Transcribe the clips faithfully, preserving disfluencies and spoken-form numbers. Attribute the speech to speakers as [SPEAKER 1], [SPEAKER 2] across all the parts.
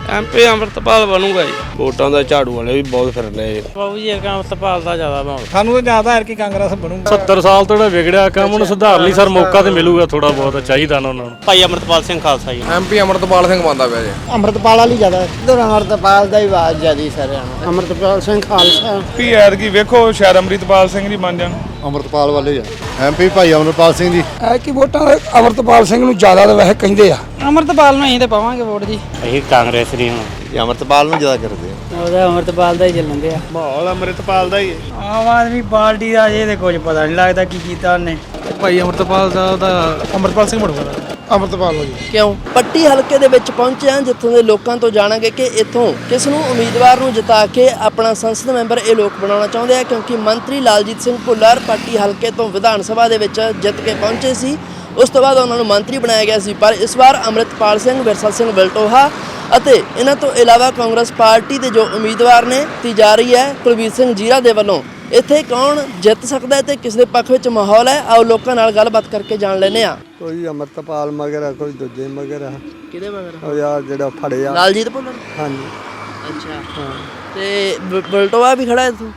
[SPEAKER 1] MP Amritpal ਬਣੂਗਾ ਜੀ। ਵੋਟਾਂ ਦਾ ਝਾੜੂ ਵਾਲੇ ਵੀ ਬਹੁਤ ਫਿਰ ਰਹੇ
[SPEAKER 2] ਬਾਬੂ ਜੀ ਅੰਮ੍ਰਿਤਪਾਲ ਦਾ ਜ਼ਿਆਦਾ ਮਾਹੌਲ
[SPEAKER 3] ਸਾਨੂੰ ਤਾਂ ਜ਼ਿਆਦਾ ਹੈ ਕਿ ਕਾਂਗਰਸ ਬਣੂਗਾ।
[SPEAKER 4] ਸੱਤਰ ਸਾਲ ਤੋਂ ਜਿਹੜਾ ਵਿਗੜਿਆ ਕੰਮ ਉਹਨੂੰ ਸੁਧਾਰ ਲਈ ਸਰ ਮੌਕਾ ਤੇ ਮਿਲੂਗਾ, ਥੋੜਾ ਬਹੁਤ ਚਾਹੀਦਾ ਨਾ ਉਹਨਾਂ ਨੂੰ।
[SPEAKER 2] ਭਾਈ ਅੰਮ੍ਰਿਤਪਾਲ ਸਿੰਘ ਖਾਲਸਾ ਜੀ।
[SPEAKER 5] ਐਮਪੀ ਅੰਮ੍ਰਿਤਪਾਲ ਸਿੰਘ ਬਣਦਾ ਪਿਆ ਜੀ।
[SPEAKER 3] ਅੰਮ੍ਰਿਤਪਾਲ ਵਾਲੀ ਜ਼ਿਆਦਾ ਇਧਰ ਅੰਮ੍ਰਿਤਪਾਲ ਦਾ ਹੀ ਆਵਾਜ਼ ਜ਼ਿਆਦੀ ਸਾਰਿਆਂ ਨੂੰ। ਅੰਮ੍ਰਿਤਪਾਲ ਸਿੰਘ ਖਾਲਸਾ
[SPEAKER 6] ਪੀ ਐਤਕੀ ਵੇਖੋ ਸ਼ਾਇਦ ਅੰਮ੍ਰਿਤਪਾਲ ਸਿੰਘ ਜੀ ਬਣ ਜਾਣ।
[SPEAKER 7] ਅੰਮ੍ਰਿਤਪਾਲ ਵਾਲੇ ਆ ਐਮਪੀ ਭਾਈ ਅੰਮ੍ਰਿਤਪਾਲ ਸਿੰਘ ਜੀ।
[SPEAKER 3] ਐ ਕਿ ਵੋਟਾਂ ਅੰਮ੍ਰਿਤਪਾਲ ਸਿੰਘ ਨੂੰ ਜ਼ਿਆਦਾ ਤਾਂ ਵੈਸੇ ਕਹਿੰਦੇ ਆ।
[SPEAKER 2] ਅੰਮ੍ਰਿਤਪਾਲ ਨੂੰ ਅਸੀਂ ਤੇ ਪਾਵਾਂਗੇ ਵੋਟ ਜੀ।
[SPEAKER 4] ਅਸੀਂ ਕਾਂਗਰਸ ਦੀ ਹਾਂ,
[SPEAKER 7] ਅੰਮ੍ਰਿਤਪਾਲ ਨੂੰ ਜ਼ਿਆਦਾ ਕਰਦੇ ਆ।
[SPEAKER 2] ਉਹਦਾ ਅੰਮ੍ਰਿਤਪਾਲ ਦਾ ਹੀ ਚੱਲਣ ਦਿਆ।
[SPEAKER 6] ਮਾਹੌਲ ਅੰਮ੍ਰਿਤਪਾਲ ਦਾ ਹੀ ਹੈ।
[SPEAKER 2] ਆਮ ਆਦਮੀ ਪਾਰਟੀ ਦਾ ਜੇ ਤੇ ਕੁਝ ਪਤਾ ਨਹੀਂ ਲੱਗਦਾ ਕੀ ਕੀਤਾ ਉਹਨੇ।
[SPEAKER 3] ਭਾਈ ਅੰਮ੍ਰਿਤਪਾਲ ਦਾ ਉਹਦਾ ਅੰਮ੍ਰਿਤਪਾਲ ਸਿੰਘ ਬਣੂਗਾ। ਅੰਮ੍ਰਿਤਪਾਲ ਜੀ
[SPEAKER 8] ਕਿਉਂ ਪੱਟੀ ਹਲਕੇ ਦੇ ਵਿੱਚ ਪਹੁੰਚੇ ਹਾਂ, ਜਿੱਥੋਂ ਦੇ ਲੋਕਾਂ ਤੋਂ ਜਾਣਾਂਗੇ ਕਿ ਇੱਥੋਂ ਕਿਸ ਨੂੰ ਉਮੀਦਵਾਰ ਨੂੰ ਜਿਤਾ ਕੇ ਆਪਣਾ ਸੰਸਦ ਮੈਂਬਰ ਇਹ ਲੋਕ ਬਣਾਉਣਾ ਚਾਹੁੰਦੇ ਆ, ਕਿਉਂਕਿ ਮੰਤਰੀ ਲਾਲਜੀਤ ਸਿੰਘ ਭੁੱਲਰ ਪੱਟੀ ਹਲਕੇ ਤੋਂ ਵਿਧਾਨ ਸਭਾ ਦੇ ਵਿੱਚ ਜਿੱਤ ਕੇ ਪਹੁੰਚੇ ਸੀ। ਉਸ ਤੋਂ ਬਾਅਦ ਉਹਨਾਂ ਨੂੰ ਮੰਤਰੀ ਬਣਾਇਆ ਗਿਆ ਸੀ, ਪਰ ਇਸ ਵਾਰ ਅੰਮ੍ਰਿਤਪਾਲ ਸਿੰਘ, ਵਿਰਸਾ ਸਿੰਘ ਵਲਟੋਹਾ ਅਤੇ ਇਹਨਾਂ ਤੋਂ ਇਲਾਵਾ ਕਾਂਗਰਸ ਪਾਰਟੀ ਦੇ ਜੋ ਉਮੀਦਵਾਰ ਨੇ ਤੀ ਜਾ ਰਹੀ ਹੈ ਕੁਲਬੀਰ ਸਿੰਘ ਜੀਰਾ ਦੇ ਵੱਲੋਂ ਇੱਥੇ ਕੌਣ ਜਿੱਤ ਸਕਦਾ ਹੈ ਤੇ ਕਿਸ ਦੇ ਪੱਖ ਵਿੱਚ ਮਾਹੌਲ ਹੈ, ਆਓ ਲੋਕਾਂ ਨਾਲ ਗੱਲਬਾਤ ਕਰਕੇ ਜਾਣ ਲੈਂਦੇ ਆ।
[SPEAKER 7] ਕੋਈ ਅੰਮ੍ਰਿਤਪਾਲ ਮਗਰ ਆ, ਕੋਈ ਦੂਜੇ ਮਗਰ ਆ।
[SPEAKER 8] ਕਿਹਦੇ ਮਗਰ?
[SPEAKER 7] ਉਹ ਯਾਰ ਜਿਹੜਾ ਫੜਿਆ
[SPEAKER 8] ਲਾਲਜੀਤ ਭੁੱਲਰ।
[SPEAKER 7] ਹਾਂਜੀ
[SPEAKER 8] ਅੱਛਾ ਹਾਂ। ਤੇ ਵਲਟੋਹਾ ਵੀ ਖੜਾ ਇੱਥੋਂ?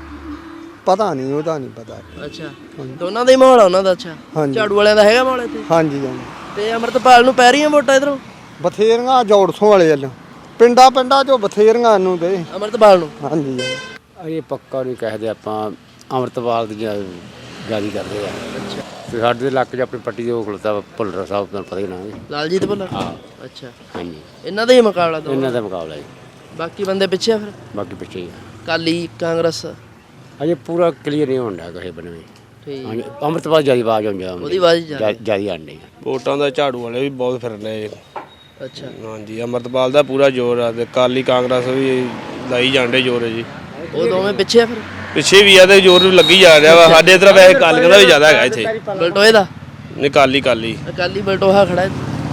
[SPEAKER 7] ਪਤਾ ਨਹੀਂ, ਉਹਦਾ ਨਹੀਂ ਪਤਾ।
[SPEAKER 8] ਅੱਛਾ ਦੋਨਾਂ ਦਾ ਹੀ ਮਾਹੌਲ ਆ ਉਹਨਾਂ ਦਾ। ਅੱਛਾ ਝਾੜੂ ਵਾਲਿਆਂ ਦਾ ਹੈਗਾ ਮਾਹੌਲ ਇੱਥੇ?
[SPEAKER 7] ਹਾਂਜੀ ਹਾਂਜੀ।
[SPEAKER 8] ਤੇ ਅੰਮ੍ਰਿਤਪਾਲ ਨੂੰ ਪੈ ਰਹੀਆਂ ਵੋਟਾਂ ਇਧਰੋਂ?
[SPEAKER 7] ਬਥੇਰੀਆਂ ਜੋੜਸੋਂ ਵਾਲੇ ਵੱਲੋਂ ਪਿੰਡਾਂ ਪਿੰਡਾਂ ਚੋਂ ਬਥੇਰੀਆਂ ਨੂੰ ਦੇ
[SPEAKER 8] ਅੰਮ੍ਰਿਤਪਾਲ ਨੂੰ।
[SPEAKER 7] ਹਾਂਜੀ
[SPEAKER 4] ਇਹ ਪੱਕਾ ਨਹੀਂ ਕਹਦੇ ਆਪਾਂ ਅੰਮ੍ਰਿਤਪਾਲ ਦੀ ਗਾਲੀ ਕਰਦੇ ਆ।
[SPEAKER 8] ਅੱਛਾ
[SPEAKER 4] ਤੇ ਸਾਡੇ ਇਲਾਕੇ 'ਚ ਆਪਣੀ ਪੱਟੀ ਦੇ ਉਹ ਖਲੋਤਾ ਭੁੱਲਰ ਸਾਹਿਬ ਤੁਹਾਨੂੰ ਪਤਾ ਹੀ ਨਾ।
[SPEAKER 8] ਲਾਲਜੀਤ ਭੁੱਲਰ।
[SPEAKER 4] ਹਾਂ
[SPEAKER 8] ਅੱਛਾ
[SPEAKER 4] ਹਾਂਜੀ,
[SPEAKER 8] ਇਹਨਾਂ ਦਾ ਹੀ ਮੁਕਾਬਲਾ ਦੋ?
[SPEAKER 4] ਇਹਨਾਂ ਦਾ ਮੁਕਾਬਲਾ ਜੀ,
[SPEAKER 8] ਬਾਕੀ ਬੰਦੇ ਪਿੱਛੇ ਆ ਫਿਰ?
[SPEAKER 4] ਬਾਕੀ ਪਿੱਛੇ ਹੀ ਆ।
[SPEAKER 8] ਕਾਲੀ ਕਾਂਗਰਸ
[SPEAKER 4] ਅਜੇ ਪੂਰਾ ਕਲੀਅਰ ਨਹੀਂ ਹੁੰਦਾ ਕਿਸੇ ਬਣਵੇਂ।
[SPEAKER 8] ਠੀਕ
[SPEAKER 4] ਹਾਂਜੀ ਅੰਮ੍ਰਿਤਪਾਲ ਜਿਆਦਾ ਆਵਾਜ਼ ਆਉਂਦੀ ਆ,
[SPEAKER 8] ਉਹਦੀ ਆਵਾਜ਼ ਜ਼ਿਆਦਾ।
[SPEAKER 4] ਜਿਆਦਾ ਆਉਂਦੀ ਆ।
[SPEAKER 1] ਵੋਟਾਂ ਦਾ ਝਾੜੂ ਵਾਲੇ ਵੀ ਬਹੁਤ ਫਿਰ ਰਹੇ
[SPEAKER 8] ਅੱਛਾ
[SPEAKER 1] ਹਾਂਜੀ। ਅੰਮ੍ਰਿਤਪਾਲ ਦਾ ਪੂਰਾ ਜ਼ੋਰ ਆ ਤੇ ਕਾਲੀ ਕਾਂਗਰਸ ਵੀ ਲਾਈ ਜਾਂਦੇ ਜ਼ੋਰ ਜੀ।
[SPEAKER 8] ਉਹ ਦੋਵੇਂ ਪਿੱਛੇ ਆ ਫਿਰ?
[SPEAKER 1] ਪਿੱਛੇ ਵੀ ਆ ਤੇ ਜ਼ੋਰ ਵੀ ਲੱਗੀ ਜਾ ਰਿਹਾ ਵਾ। ਸਾਡੇ ਇਧਰ ਵੈਸੇ ਕਾਲੀਆਂ ਦਾ ਵੀ ਜ਼ਿਆਦਾ ਹੈਗਾ ਇੱਥੇ।
[SPEAKER 8] ਬਲਟੋਏ ਦਾ?
[SPEAKER 1] ਨਹੀਂ ਕਾਲੀ ਕਾਲੀ
[SPEAKER 8] ਅਕਾਲੀ ਬਲਟੋਹਾ ਖੜਾ ਹੈ।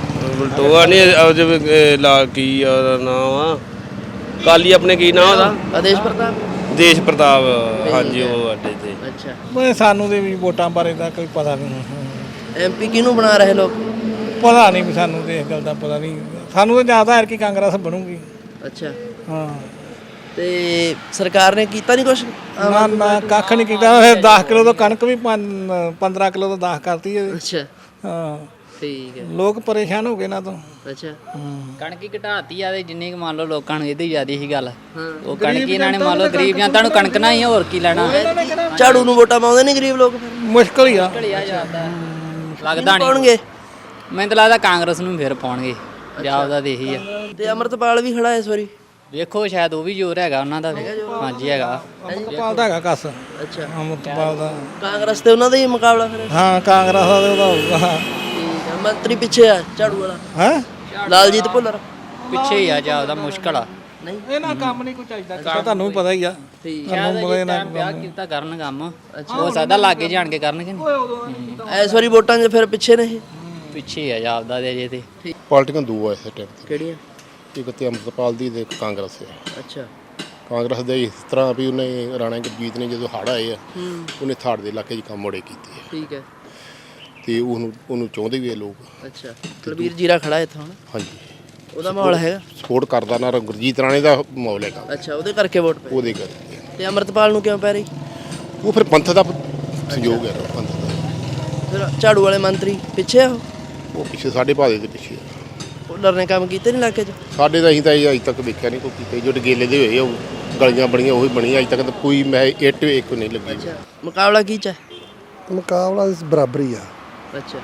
[SPEAKER 1] ਬਲਟੋਆ ਨਹੀਂ ਲਾ ਕੀ ਉਹਦਾ ਨਾਮ ਆ, ਕਾਲੀ ਆਪਣੇ ਕੀ ਨਾਮ ਉਹਦਾ?
[SPEAKER 8] ਆਦੇਸ਼ ਪ੍ਰਤਾਪ।
[SPEAKER 1] ਦੇਸ਼ ਪ੍ਰਤਾਪ ਹਾਂਜੀ, ਉਹ ਅੱਡੇ ਤੇ।
[SPEAKER 8] ਅੱਛਾ
[SPEAKER 3] ਮੈਂ ਸਾਨੂੰ ਦੇ ਵੀ ਵੋਟਾਂ ਬਾਰੇ ਦਾ ਕੋਈ ਪਤਾ ਨਹੀਂ।
[SPEAKER 8] ਐਮਪੀ ਕਿਹਨੂੰ ਬਣਾ ਰਹੇ ਲੋਕ?
[SPEAKER 3] ਪਤਾ ਨਹੀਂ ਵੀ ਸਾਨੂੰ ਤੇ ਇਸ ਗੱਲ ਦਾ ਪਤਾ ਨਹੀਂ। ਸਾਨੂੰ ਤਾਂ ਜ਼ਿਆਦਾ ਹੈ ਕਿ ਕਾਂਗਰਸ ਬਣੂਗੀ।
[SPEAKER 8] ਅੱਛਾ
[SPEAKER 3] ਹਾਂ
[SPEAKER 8] ਤੇ ਸਰਕਾਰ ਨੇ ਕੀਤਾ ਨਹੀਂ ਕੁਛ?
[SPEAKER 3] ਨਾ ਨਾ ਕੱਖ ਨਹੀਂ ਕੀਤਾ। ਫਿਰ ਦਸ ਕਿਲੋ ਤੋਂ ਕਣਕ ਵੀ ਪੰਦਰਾਂ ਕਿਲੋ ਤੋਂ ਦਸ ਕਰਤੀ ਹੈ।
[SPEAKER 8] ਅੱਛਾ
[SPEAKER 3] ਹਾਂ
[SPEAKER 8] ਠੀਕ ਹੈ।
[SPEAKER 3] ਲੋਕ ਪਰੇਸ਼ਾਨ ਹੋ ਗਏ ਨਾ ਤੋਂ।
[SPEAKER 8] ਅੱਛਾ
[SPEAKER 2] ਕਣਕ ਹੀ ਘਟਾਤੀ ਆ ਤੇ ਜਿੰਨੀ ਕੁ ਮੰਨ ਲਓ ਲੋਕਾਂ ਨੂੰ ਇਹਦੀ ਜ਼ਿਆਦਾ ਸੀ ਗੱਲ। ਉਹ ਕਣਕ ਇਹਨਾਂ ਨੇ ਮੰਨ ਲਓ ਗਰੀਬ ਜਨਤਾ ਨੂੰ ਕਣਕ ਨਾ ਹੀ ਹੋਰ ਕੀ ਲੈਣਾ।
[SPEAKER 8] ਝਾੜੂ ਨੂੰ ਵੋਟਾਂ ਪਾਉਂਦੇ ਨਹੀਂ ਗਰੀਬ ਲੋਕ ਫਿਰ?
[SPEAKER 3] ਮੁਸ਼ਕਲ ਹੀ ਆ।
[SPEAKER 2] ਲੱਗਦਾ ਨਹੀਂ
[SPEAKER 8] ਪਾਉਣਗੇ।
[SPEAKER 2] ਮੈਨੂੰ ਤਾਂ ਲੱਗਦਾ ਕਾਂਗਰਸ ਨੂੰ ਫਿਰ ਪਾਉਣਗੇ। ਪੰਜਾਬ ਦਾ ਤੇ ਇਹੀ ਆ।
[SPEAKER 8] ਤੇ ਅੰਮ੍ਰਿਤਪਾਲ ਵੀ ਖੜਾ ਇਸ ਵਾਰੀ?
[SPEAKER 2] ਵੇਖੋ ਸ਼ਾਇਦ ਉਹ ਵੀ ਜ਼ੋਰ ਹੈਗਾ ਉਹਨਾਂ ਦਾ। ਹਾਂਜੀ ਹੈਗਾ।
[SPEAKER 3] ਅੰਮ੍ਰਿਤਪਾਲ ਦਾ ਹੈਗਾ ਕੱਸ।
[SPEAKER 8] ਅੱਛਾ
[SPEAKER 3] ਅੰਮ੍ਰਿਤਪਾਲ ਦਾ
[SPEAKER 8] ਕਾਂਗਰਸ ਤੇ ਉਹਨਾਂ ਦਾ ਹੀ ਮੁਕਾਬਲਾ ਫਿਰ?
[SPEAKER 3] ਹਾਂ ਕਾਂਗਰਸ ਦਾ ਤੇ ਉਹਦਾ ਹੋਊਗਾ।
[SPEAKER 8] ਠੀਕ ਹੈ। ਮੰਤਰੀ ਪਿੱਛੇ ਆ ਝਾੜੂ ਵਾਲਾ?
[SPEAKER 3] ਹੈ
[SPEAKER 8] ਲਾਲਜੀਤ ਭੁੱਲਰ
[SPEAKER 2] ਪਿੱਛੇ ਹੀ ਆ ਜਾਂਦਾ ਮੁਸ਼ਕਲ ਆ।
[SPEAKER 8] ਨਹੀਂ
[SPEAKER 3] ਇਹਨਾਂ ਕੰਮ ਨਹੀਂ ਕੋਈ ਚਾਹੀਦਾ। ਤੁਹਾਨੂੰ ਵੀ ਪਤਾ ਹੀ ਆ।
[SPEAKER 8] ਠੀਕ
[SPEAKER 2] ਸ਼ਾਇਦ ਜੇ ਟਾਈਮ ਵਿਆਹ ਕੀਤਾ ਕਰਨ ਕੰਮ ਹੋ ਸਕਦਾ ਲਾਗੇ ਜਾਣ ਕੇ ਕਰਨਗੇ ਨਹੀਂ।
[SPEAKER 8] ਇਸ ਵਾਰੀ ਵੋਟਾਂ 'ਚ ਫਿਰ ਪਿੱਛੇ ਨੇ ਇਹ?
[SPEAKER 2] ਪਿੱਛੇ ਆ ਜਾਪਦਾ ਦੇ ਅਜੇ ਤੇ।
[SPEAKER 7] ਪਾਰਟੀਆਂ ਦੋ ਆ ਇਸ ਟਾਈਮ ਤੇ।
[SPEAKER 8] ਕਿਹੜੀਆਂ?
[SPEAKER 7] ਇੱਕ ਤੇ ਅੰਮ੍ਰਿਤਪਾਲ ਦੀ ਤੇ ਇੱਕ ਕਾਂਗਰਸ ਹੈ।
[SPEAKER 8] ਅੱਛਾ
[SPEAKER 7] ਕਾਂਗਰਸ ਦੇ ਇਸ ਤਰ੍ਹਾਂ ਵੀ ਉਹਨੇ ਰਾਣਾ ਗੁਰਜੀਤ ਨੇ ਜਦੋਂ ਹੜ੍ਹ ਆਏ ਆ ਉਹਨੇ ਥਾੜ ਦੇ ਇਲਾਕੇ 'ਚ ਕੰਮ ਮੋੜੇ ਕੀਤੇ ਆ
[SPEAKER 8] ਠੀਕ ਹੈ।
[SPEAKER 7] ਤੇ ਉਹਨੂੰ ਉਹਨੂੰ ਚਾਹੁੰਦੇ ਵੀ ਆ ਲੋਕ।
[SPEAKER 8] ਅੱਛਾ ਕੁਲਬੀਰ ਜੀਰਾ ਖੜਾ ਇੱਥੋਂ ਹੁਣ?
[SPEAKER 7] ਹਾਂਜੀ
[SPEAKER 8] ਉਹਦਾ ਮਾਹੌਲ ਹੈਗਾ?
[SPEAKER 7] ਸਪੋਰਟ ਕਰਦਾ ਨਾ ਗੁਰਜੀਤ ਰਾਣੇ ਦਾ ਮਾਹੌਲ ਹੈਗਾ।
[SPEAKER 8] ਅੱਛਾ ਉਹਦੇ ਕਰਕੇ ਵੋਟ ਪਈ?
[SPEAKER 7] ਉਹਦੇ ਕਰਕੇ।
[SPEAKER 8] ਤੇ ਅੰਮ੍ਰਿਤਪਾਲ ਨੂੰ ਕਿਉਂ ਪੈ ਰਹੀ?
[SPEAKER 7] ਉਹ ਫਿਰ ਪੰਥ ਦਾ ਸਹਿਯੋਗ ਹੈ। ਪੰਥ ਦਾ
[SPEAKER 8] ਫਿਰ ਝਾੜੂ ਵਾਲੇ ਮੰਤਰੀ ਪਿੱਛੇ ਆ? ਉਹ
[SPEAKER 7] ਉਹ ਪਿੱਛੇ ਸਾਡੇ ਭਾਦੇ ਦੇ ਪਿੱਛੇ ਆ।
[SPEAKER 8] ਭੁੱਲਰ ਨੇ ਕੰਮ ਕੀਤੇ ਨਹੀਂ ਇਲਾਕੇ 'ਚ?
[SPEAKER 7] ਸਾਡੇ ਤਾਂ ਅਸੀਂ ਤਾਂ ਅਜੇ ਤੱਕ ਵੇਖਿਆ ਨਹੀਂ ਕੋਈ ਕੀਤੇ। ਜੋ ਡਗੇਲੇ ਦੇ ਹੋਏ ਉਹ ਗਲੀਆਂ ਬਣੀਆਂ ਉਹੀ ਬਣੀ। ਅਜੇ ਤੱਕ ਤਾਂ ਕੋਈ ਮੈਂ ਇੱਟ ਇੱਕ ਨਹੀਂ ਲੱਗੀ।
[SPEAKER 8] ਅੱਛਾ ਮੁਕਾਬਲਾ ਕੀ 'ਚ ਹੈ?
[SPEAKER 9] ਮੁਕਾਬਲਾ ਬਰਾਬਰੀ ਆ।
[SPEAKER 8] ਅੱਛਾ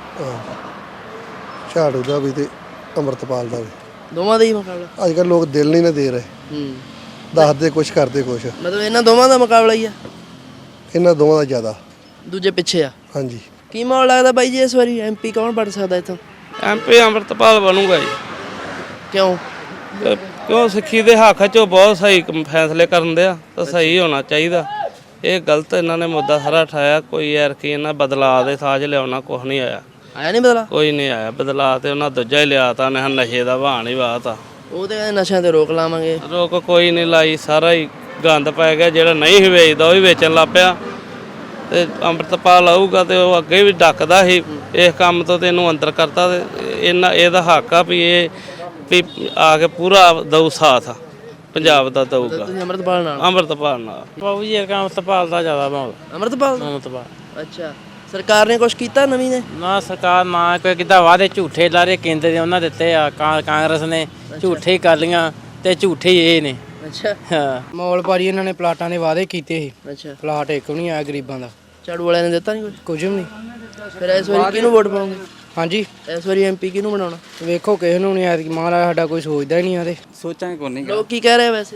[SPEAKER 9] ਝਾੜੂ ਦਾ ਵੀ ਤੇ ਅੰਮ੍ਰਿਤਪਾਲ ਦਾ ਵੀ।
[SPEAKER 8] ਦੋਵਾਂ ਦਾ ਹੀ ਮੁਕਾਬਲਾ?
[SPEAKER 9] ਅੱਜ ਕੱਲ੍ਹ ਲੋਕ ਦਿਲ ਨਹੀਂ ਨਾ ਦੇ ਰਹੇ।
[SPEAKER 8] ਹੂੰ
[SPEAKER 9] ਦੱਸਦੇ ਕੁਛ ਕਰਦੇ ਕੁਛ।
[SPEAKER 8] ਮਤਲਬ ਇਹਨਾਂ ਦੋਵਾਂ ਦਾ ਮੁਕਾਬਲਾ ਹੀ ਆ?
[SPEAKER 9] ਇਹਨਾਂ ਦੋਵਾਂ ਦਾ ਜ਼ਿਆਦਾ।
[SPEAKER 8] ਦੂਜੇ ਪਿੱਛੇ ਆ?
[SPEAKER 9] ਹਾਂਜੀ।
[SPEAKER 8] ਕੀ ਮਾਹੌਲ ਲੱਗਦਾ ਬਾਈ ਜੀ ਇਸ ਵਾਰੀ ਐਮਪੀ ਕੌਣ ਬਣ ਸਕਦਾ ਇੱਥੋਂ?
[SPEAKER 1] ਐਮਪੀ ਅੰਮ੍ਰਿਤਪਾਲ ਬਣੂਗਾ ਜੀ।
[SPEAKER 8] ਕਿਉਂ?
[SPEAKER 1] ਕਿਉਂ ਸਿੱਖੀ ਦੇ ਹੱਕ 'ਚ ਬਹੁਤ ਸਹੀ ਫੈਸਲੇ ਕਰਨ ਦੇ ਆ ਤਾਂ ਸਹੀ ਹੋਣਾ ਚਾਹੀਦਾ। ਇਹ ਗਲਤ ਇਹਨਾਂ ਨੇ ਮੁੱਦਾ ਸਾਰਾ ਉਠਾਇਆ। ਕੋਈ ਯਾਰ ਕੀ ਇਹਨਾਂ ਬਦਲਾਅ ਦੇ ਸਾਜ ਲਿਆਉਣਾ ਕੁਛ ਨਹੀਂ ਆਇਆ।
[SPEAKER 8] ਆਇਆ ਨਹੀਂ ਬਦਲਾ?
[SPEAKER 1] ਕੋਈ ਨਹੀਂ ਆਇਆ ਬਦਲਾਅ। ਤੇ ਉਹਨਾਂ ਦੂਜਾ ਹੀ ਲਿਆ ਤਾ ਨੇ ਨਸ਼ੇ ਦਾ ਬਹਾਨ ਹੀ ਵਾਹਤਾ।
[SPEAKER 8] ਉਹ ਤੇ ਨਸ਼ਿਆਂ ਤੇ ਰੋਕ ਲਾਵਾਂਗੇ।
[SPEAKER 1] ਰੋਕ ਕੋਈ ਨਹੀਂ ਲਾਈ। ਸਾਰਾ ਹੀ ਗੰਦ ਪੈ ਗਿਆ। ਜਿਹੜਾ ਨਹੀਂ ਸੀ ਵੇਚਦਾ ਉਹ ਵੀ ਵੇਚਣ ਲੱਗ ਪਿਆ। ਤੇ ਅੰਮ੍ਰਿਤਪਾਲ ਆਊਗਾ ਤੇ ਉਹ ਅੱਗੇ ਵੀ ਡੱਕਦਾ ਸੀ ਇਸ ਕੰਮ ਤੋਂ ਤੇ ਇਹਨੂੰ ਅੰਦਰ ਕਰਤਾ। ਤੇ ਇਹਨਾਂ ਇਹਦਾ ਹੱਕ ਆ ਵੀ ਇਹ ਵੀ ਆ ਕੇ ਪੂਰਾ ਦਊ ਸਾਥ ਪੰਜਾਬ ਦਾ ਦਊਗਾ
[SPEAKER 8] ਤੁਸੀਂ ਅੰਮ੍ਰਿਤਪਾਲ ਨਾਲ
[SPEAKER 1] ਅੰਮ੍ਰਿਤਪਾਲ ਨਾਲ।
[SPEAKER 3] ਬਾਬੂ ਜੀ ਇਹ ਅੰਮ੍ਰਿਤਪਾਲ ਦਾ ਜ਼ਿਆਦਾ ਮਾਹੌਲ
[SPEAKER 8] ਅੰਮ੍ਰਿਤਪਾਲ ਦਾ?
[SPEAKER 3] ਅੰਮ੍ਰਿਤਪਾਲ
[SPEAKER 8] ਅੱਛਾ ਸਰਕਾਰ ਨੇ ਕੁਝ ਕੀਤਾ ਨਵੀਂ ਨੇ?
[SPEAKER 3] ਨਾ ਸਰਕਾਰ ਨਾ ਕੋਈ ਕਿੱਦਾਂ ਵਾਅਦੇ ਝੂਠੇ ਲਾਰੇ ਕੇਂਦਰ ਦੇ ਉਹਨਾਂ ਦਿੱਤੇ ਆ ਕਾਂ- ਕਾਂਗਰਸ ਨੇ ਝੂਠੇ ਹੀ ਕਰ ਲੀਆਂ ਤੇ ਝੂਠੇ ਹੀ ਇਹ ਨੇ।
[SPEAKER 8] ਅੱਛਾ
[SPEAKER 3] ਹਾਂ
[SPEAKER 5] ਮੌਲ ਪਾਰੀ ਇਹਨਾਂ ਨੇ ਪਲਾਟਾਂ ਦੇ ਵਾਅਦੇ ਕੀਤੇ ਸੀ,
[SPEAKER 8] ਅੱਛਾ
[SPEAKER 5] ਪਲਾਟ ਇੱਕ ਵੀ ਨਹੀਂ ਆਇਆ ਗਰੀਬਾਂ ਦਾ,
[SPEAKER 8] ਝਾੜੂ ਵਾਲਿਆਂ ਨੇ ਦਿੱਤਾ ਨਹੀਂ ਕੁਝ?
[SPEAKER 5] ਕੁਝ ਵੀ ਨਹੀਂ।
[SPEAKER 8] ਫਿਰ ਇਸ ਵਾਰੀ ਕਿਹਨੂੰ ਵੋਟ ਪਾਉਂਗੇ?
[SPEAKER 5] ਹਾਂਜੀ
[SPEAKER 8] ਇਸ ਵਾਰੀ ਐਮਪੀ ਕਿਹਨੂੰ ਬਣਾਉਣਾ?
[SPEAKER 5] ਵੇਖੋ ਕਿਸੇ ਨੂੰ ਨਹੀਂ ਆਇਆ, ਮਹਾਰਾਜ ਸਾਡਾ ਕੋਈ ਸੋਚਦਾ ਹੀ ਨਹੀਂ ਆਦੇ।
[SPEAKER 10] ਸੋਚਾਂਗੇ ਕੋਈ ਨਹੀਂ।
[SPEAKER 8] ਲੋਕ ਕੀ ਕਹਿ ਰਹੇ ਆ ਵੈਸੇ?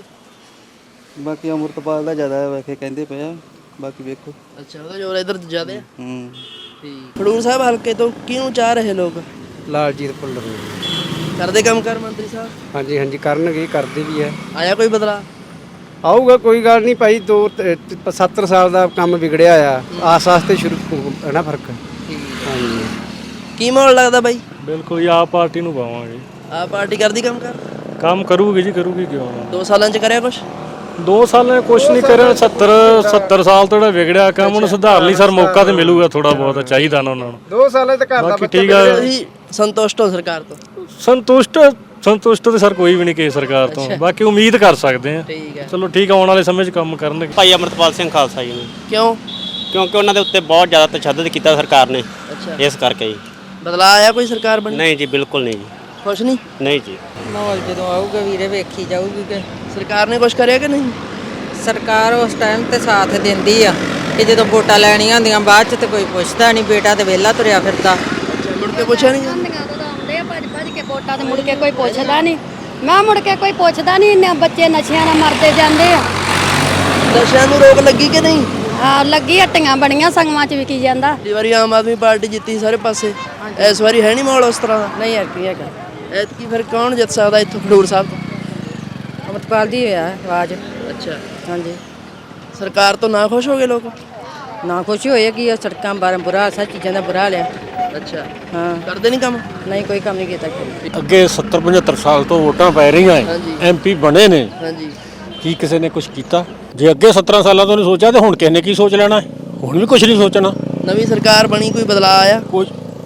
[SPEAKER 10] ਬਾਕੀ ਅੰਮ੍ਰਿਤਪਾਲ ਦਾ ਜ਼ਿਆਦਾ ਵੈਸੇ ਕਹਿੰਦੇ ਪਏ ਆ, ਬਾਕੀ ਵੇਖੋ।
[SPEAKER 8] ਅੱਛਾ ਉਹਦਾ ਜੋਰ ਇਧਰ ਜ਼ਿਆਦਾ ਹੈ।
[SPEAKER 10] ਹੂੰ
[SPEAKER 8] ਠੀਕ। ਖਡੂਰ ਸਾਹਿਬ ਹਲਕੇ ਤੋਂ ਕਿਹਨੂੰ ਚਾਹ ਰਹੇ ਲੋਕ?
[SPEAKER 5] ਲਾਲਜੀਤ ਭੁੱਲਰ
[SPEAKER 8] ਕਰਦੇ ਕੰਮ ਕਰ ਮੰਤਰੀ ਸਾਹਿਬ?
[SPEAKER 5] ਹਾਂਜੀ ਹਾਂਜੀ ਕਰਨਗੇ, ਕਰਦੇ ਵੀ ਹੈ।
[SPEAKER 8] ਆਇਆ ਕੋਈ ਬਦਲਾ?
[SPEAKER 5] ਆਊਗਾ ਕੋਈ ਗੱਲ ਨਹੀਂ ਭਾਈ, ਦੋ ਸੱਤਰ ਸਾਲ ਦਾ ਕੰਮ ਵਿਗੜਿਆ ਆ, ਆਸ ਆਸ ਤੇ ਸ਼ੁਰੂ ਹੈ ਨਾ ਫਰਕ। ਹਾਂਜੀ
[SPEAKER 8] ਕੀ ਮਾਹੌਲ ਲੱਗਦਾ ਬਾਈ?
[SPEAKER 6] ਬਿਲਕੁਲ ਜੀ ਆਪ ਪਾਰਟੀ ਨੂੰ ਪਾਵਾਂਗੇ।
[SPEAKER 8] ਆਹ ਪਾਰਟੀ ਕਰਦੀ ਕੰਮ ਕਰ?
[SPEAKER 6] ਕੰਮ ਕਰੂਗੀ ਜੀ, ਕਰੂਗੀ ਕਿਉਂ ਨਾ।
[SPEAKER 8] ਦੋ ਸਾਲਾਂ ਚ ਕਰਿਆ ਕੁਛ?
[SPEAKER 6] ਦੋ ਸਾਲਾਂ ਕੁਛ ਨਹੀਂ ਕਰਿਆ, ਸੱਤਰ ਸੱਤਰ ਸਾਲ ਤੋਂ ਜਿਹੜਾ ਵਿਗੜਿਆ ਕੰਮ ਉਹਨੂੰ ਸੁਧਾਰ ਲਈ ਸਰ ਮੌਕਾ ਤੇ ਮਿਲੂਗਾ, ਥੋੜਾ ਬਹੁਤ ਚਾਹੀਦਾ ਨਾ ਉਹਨਾਂ ਨੂੰ।
[SPEAKER 5] ਦੋ ਸਾਲਾਂ ਤੱਕ
[SPEAKER 6] ਬਾਕੀ ਠੀਕ ਆ,
[SPEAKER 8] ਤੁਸੀਂ ਸੰਤੁਸ਼ਟ ਹੋ ਸਰਕਾਰ ਤੋਂ?
[SPEAKER 6] ਸੰਤੁਸ਼ਟ ਸੰਤੁਸ਼ਟ ਤੇ ਸਰ ਕੋਈ ਵੀ ਨਹੀਂ ਕਿਸੇ ਸਰਕਾਰ ਤੋਂ, ਬਾਕੀ ਉਮੀਦ ਕਰ ਸਕਦੇ ਆ।
[SPEAKER 8] ਠੀਕ ਹੈ।
[SPEAKER 6] ਚਲੋ ਠੀਕ ਆ, ਆਉਣ ਵਾਲੇ ਸਮੇਂ 'ਚ ਕੰਮ ਕਰਨਗੇ।
[SPEAKER 11] ਭਾਈ ਅੰਮ੍ਰਿਤਪਾਲ ਸਿੰਘ ਖਾਲਸਾ ਜੀ ਨੇ,
[SPEAKER 8] ਕਿਉਂ?
[SPEAKER 11] ਕਿਉਂਕਿ ਉਹਨਾਂ ਦੇ ਉੱਤੇ ਬਹੁਤ ਜ਼ਿਆਦਾ ਤਸ਼ੱਦਦ ਕੀਤਾ ਸਰਕਾਰ ਨੇ,
[SPEAKER 8] ਅੱਛਾ
[SPEAKER 11] ਇਸ ਕਰਕੇ ਜੀ।
[SPEAKER 8] ਬਦਲਾ ਆਇਆ ਕੋਈ ਸਰਕਾਰ ਬਣੀ?
[SPEAKER 11] ਨਹੀਂ ਜੀ ਬਿਲਕੁਲ ਨਹੀਂ ਜੀ,
[SPEAKER 8] ਕੁਛ ਨਹੀਂ।
[SPEAKER 11] ਨਹੀਂ ਜੀ।
[SPEAKER 5] ਮਾਹੌਲ ਜਦੋਂ ਆਊਗਾ ਵੀਰੇ ਵੇਖੀ ਜਾਊਗੀ ਕਿ
[SPEAKER 8] ਸਰਕਾਰ ਨੇ ਕੁਛ ਕਰਿਆ ਕਿ ਨਹੀਂ?
[SPEAKER 5] ਸਰਕਾਰ ਉਸ ਟਾਈਮ ਤੇ ਸਾਥ ਦਿੰਦੀ ਆ ਕਿ ਜਦੋਂ ਵੋਟਾਂ ਲੈਣੀਆਂ ਹੁੰਦੀਆਂ ਬਾਅਦ ਚ ਤੇ ਕੋਈ ਪੁੱਛਦਾ ਨਹੀਂ, ਬੇਟਾ ਤੇ ਵਿਹਲਾ ਤੁਰਿਆ ਫਿਰਦਾ।
[SPEAKER 8] ਅੱਛਾ ਮੁੜ ਕੇ ਪੁੱਛਿਆ ਨਹੀਂ?
[SPEAKER 12] ਆਉਂਦੇ ਆ ਭੱਜ ਭੱਜ ਕੇ ਵੋਟਾਂ ਤੇ ਮੁੜ ਕੇ ਕੋਈ ਪੁੱਛਦਾ ਨਹੀਂ। ਮੈਂ ਮੁੜ ਕੇ ਕੋਈ ਪੁੱਛਦਾ ਨਹੀਂ, ਇੰਨੇ ਬੱਚੇ ਨਸ਼ਿਆਂ ਨਾਲ ਮਰਦੇ ਜਾਂਦੇ ਆ।
[SPEAKER 8] ਨਸ਼ਿਆਂ ਨੂੰ ਰੋਕ ਲੱਗੀ ਕਿ ਨਹੀਂ?
[SPEAKER 12] ਹਾਂ ਲੱਗੀ, ਹੱਟੀਆਂ ਬਣੀਆਂ ਸੰਗਮਾਂ ਚ ਵਿਕੀ ਜਾਂਦਾ।
[SPEAKER 8] ਪਿਛਲੀ ਵਾਰੀ ਆਮ ਆਦਮੀ ਪਾਰਟੀ ਜਿੱਤੀ ਸਾਰੇ ਪਾਸੇ, ਇਸ ਵਾਰੀ ਹੈ ਨਹੀਂ ਮਾਹੌਲ ਉਸ ਤਰ੍ਹਾਂ ਦਾ?
[SPEAKER 5] ਨਹੀਂ ਯਾਰ ਕੀ ਹੈਗਾ,
[SPEAKER 8] ਐਤਕੀ ਫਿਰ ਕੌਣ ਜਿੱਤ ਸਕਦਾ ਇੱਥੋਂ ਖਡੂਰ ਸਾਹਿਬ ਤੋਂ?
[SPEAKER 5] ਅੰਮ੍ਰਿਤਪਾਲ ਦੀ ਹੋਇਆ ਆਵਾਜ਼।
[SPEAKER 8] ਅੱਛਾ
[SPEAKER 5] ਹਾਂਜੀ
[SPEAKER 8] ਸਰਕਾਰ ਤੋਂ ਨਾ ਖੁਸ਼ ਹੋ ਗਏ ਲੋਕ?
[SPEAKER 5] ਨਾ ਖੁਸ਼ੀ ਹੋਈ ਕਿ ਸੜਕਾਂ ਬਾਰੇ ਬੁਰਾ ਹਾਲ, ਸਭ ਚੀਜ਼ਾਂ ਦਾ ਬੁਰਾ ਹਾਲ ਆ।
[SPEAKER 8] ਅੱਛਾ
[SPEAKER 5] ਹਾਂ
[SPEAKER 8] ਕਰਦੇ ਨਹੀਂ ਕੰਮ?
[SPEAKER 5] ਨਹੀਂ ਕੋਈ ਕੰਮ ਨਹੀਂ ਕੀਤਾ।
[SPEAKER 6] ਅੱਗੇ ਸੱਤਰ ਪਝੱਤਰ ਸਾਲ ਤੋਂ ਵੋਟਾਂ ਪੈ ਰਹੀਆਂ
[SPEAKER 8] ਹਾਂਜੀ।
[SPEAKER 6] ਐਮਪੀ ਬਣੇ ਨੇ,
[SPEAKER 8] ਹਾਂਜੀ
[SPEAKER 6] ਕੀ ਕਿਸੇ ਨੇ ਕੁਝ ਕੀਤਾ? ਜੇ ਅੱਗੇ ਸੱਤਰਾਂ ਸਾਲਾਂ ਤੋਂ ਨਹੀਂ ਸੋਚਿਆ ਤੇ ਹੁਣ ਕਿਸੇ ਨੇ ਕੀ ਸੋਚ ਲੈਣਾ? ਹੁਣ ਵੀ ਕੁਝ ਨਹੀਂ ਸੋਚਣਾ।
[SPEAKER 8] ਨਵੀਂ ਸਰਕਾਰ ਬਣੀ, ਕੋਈ ਬਦਲਾਅ ਆਇਆ?
[SPEAKER 6] ਕੁਝ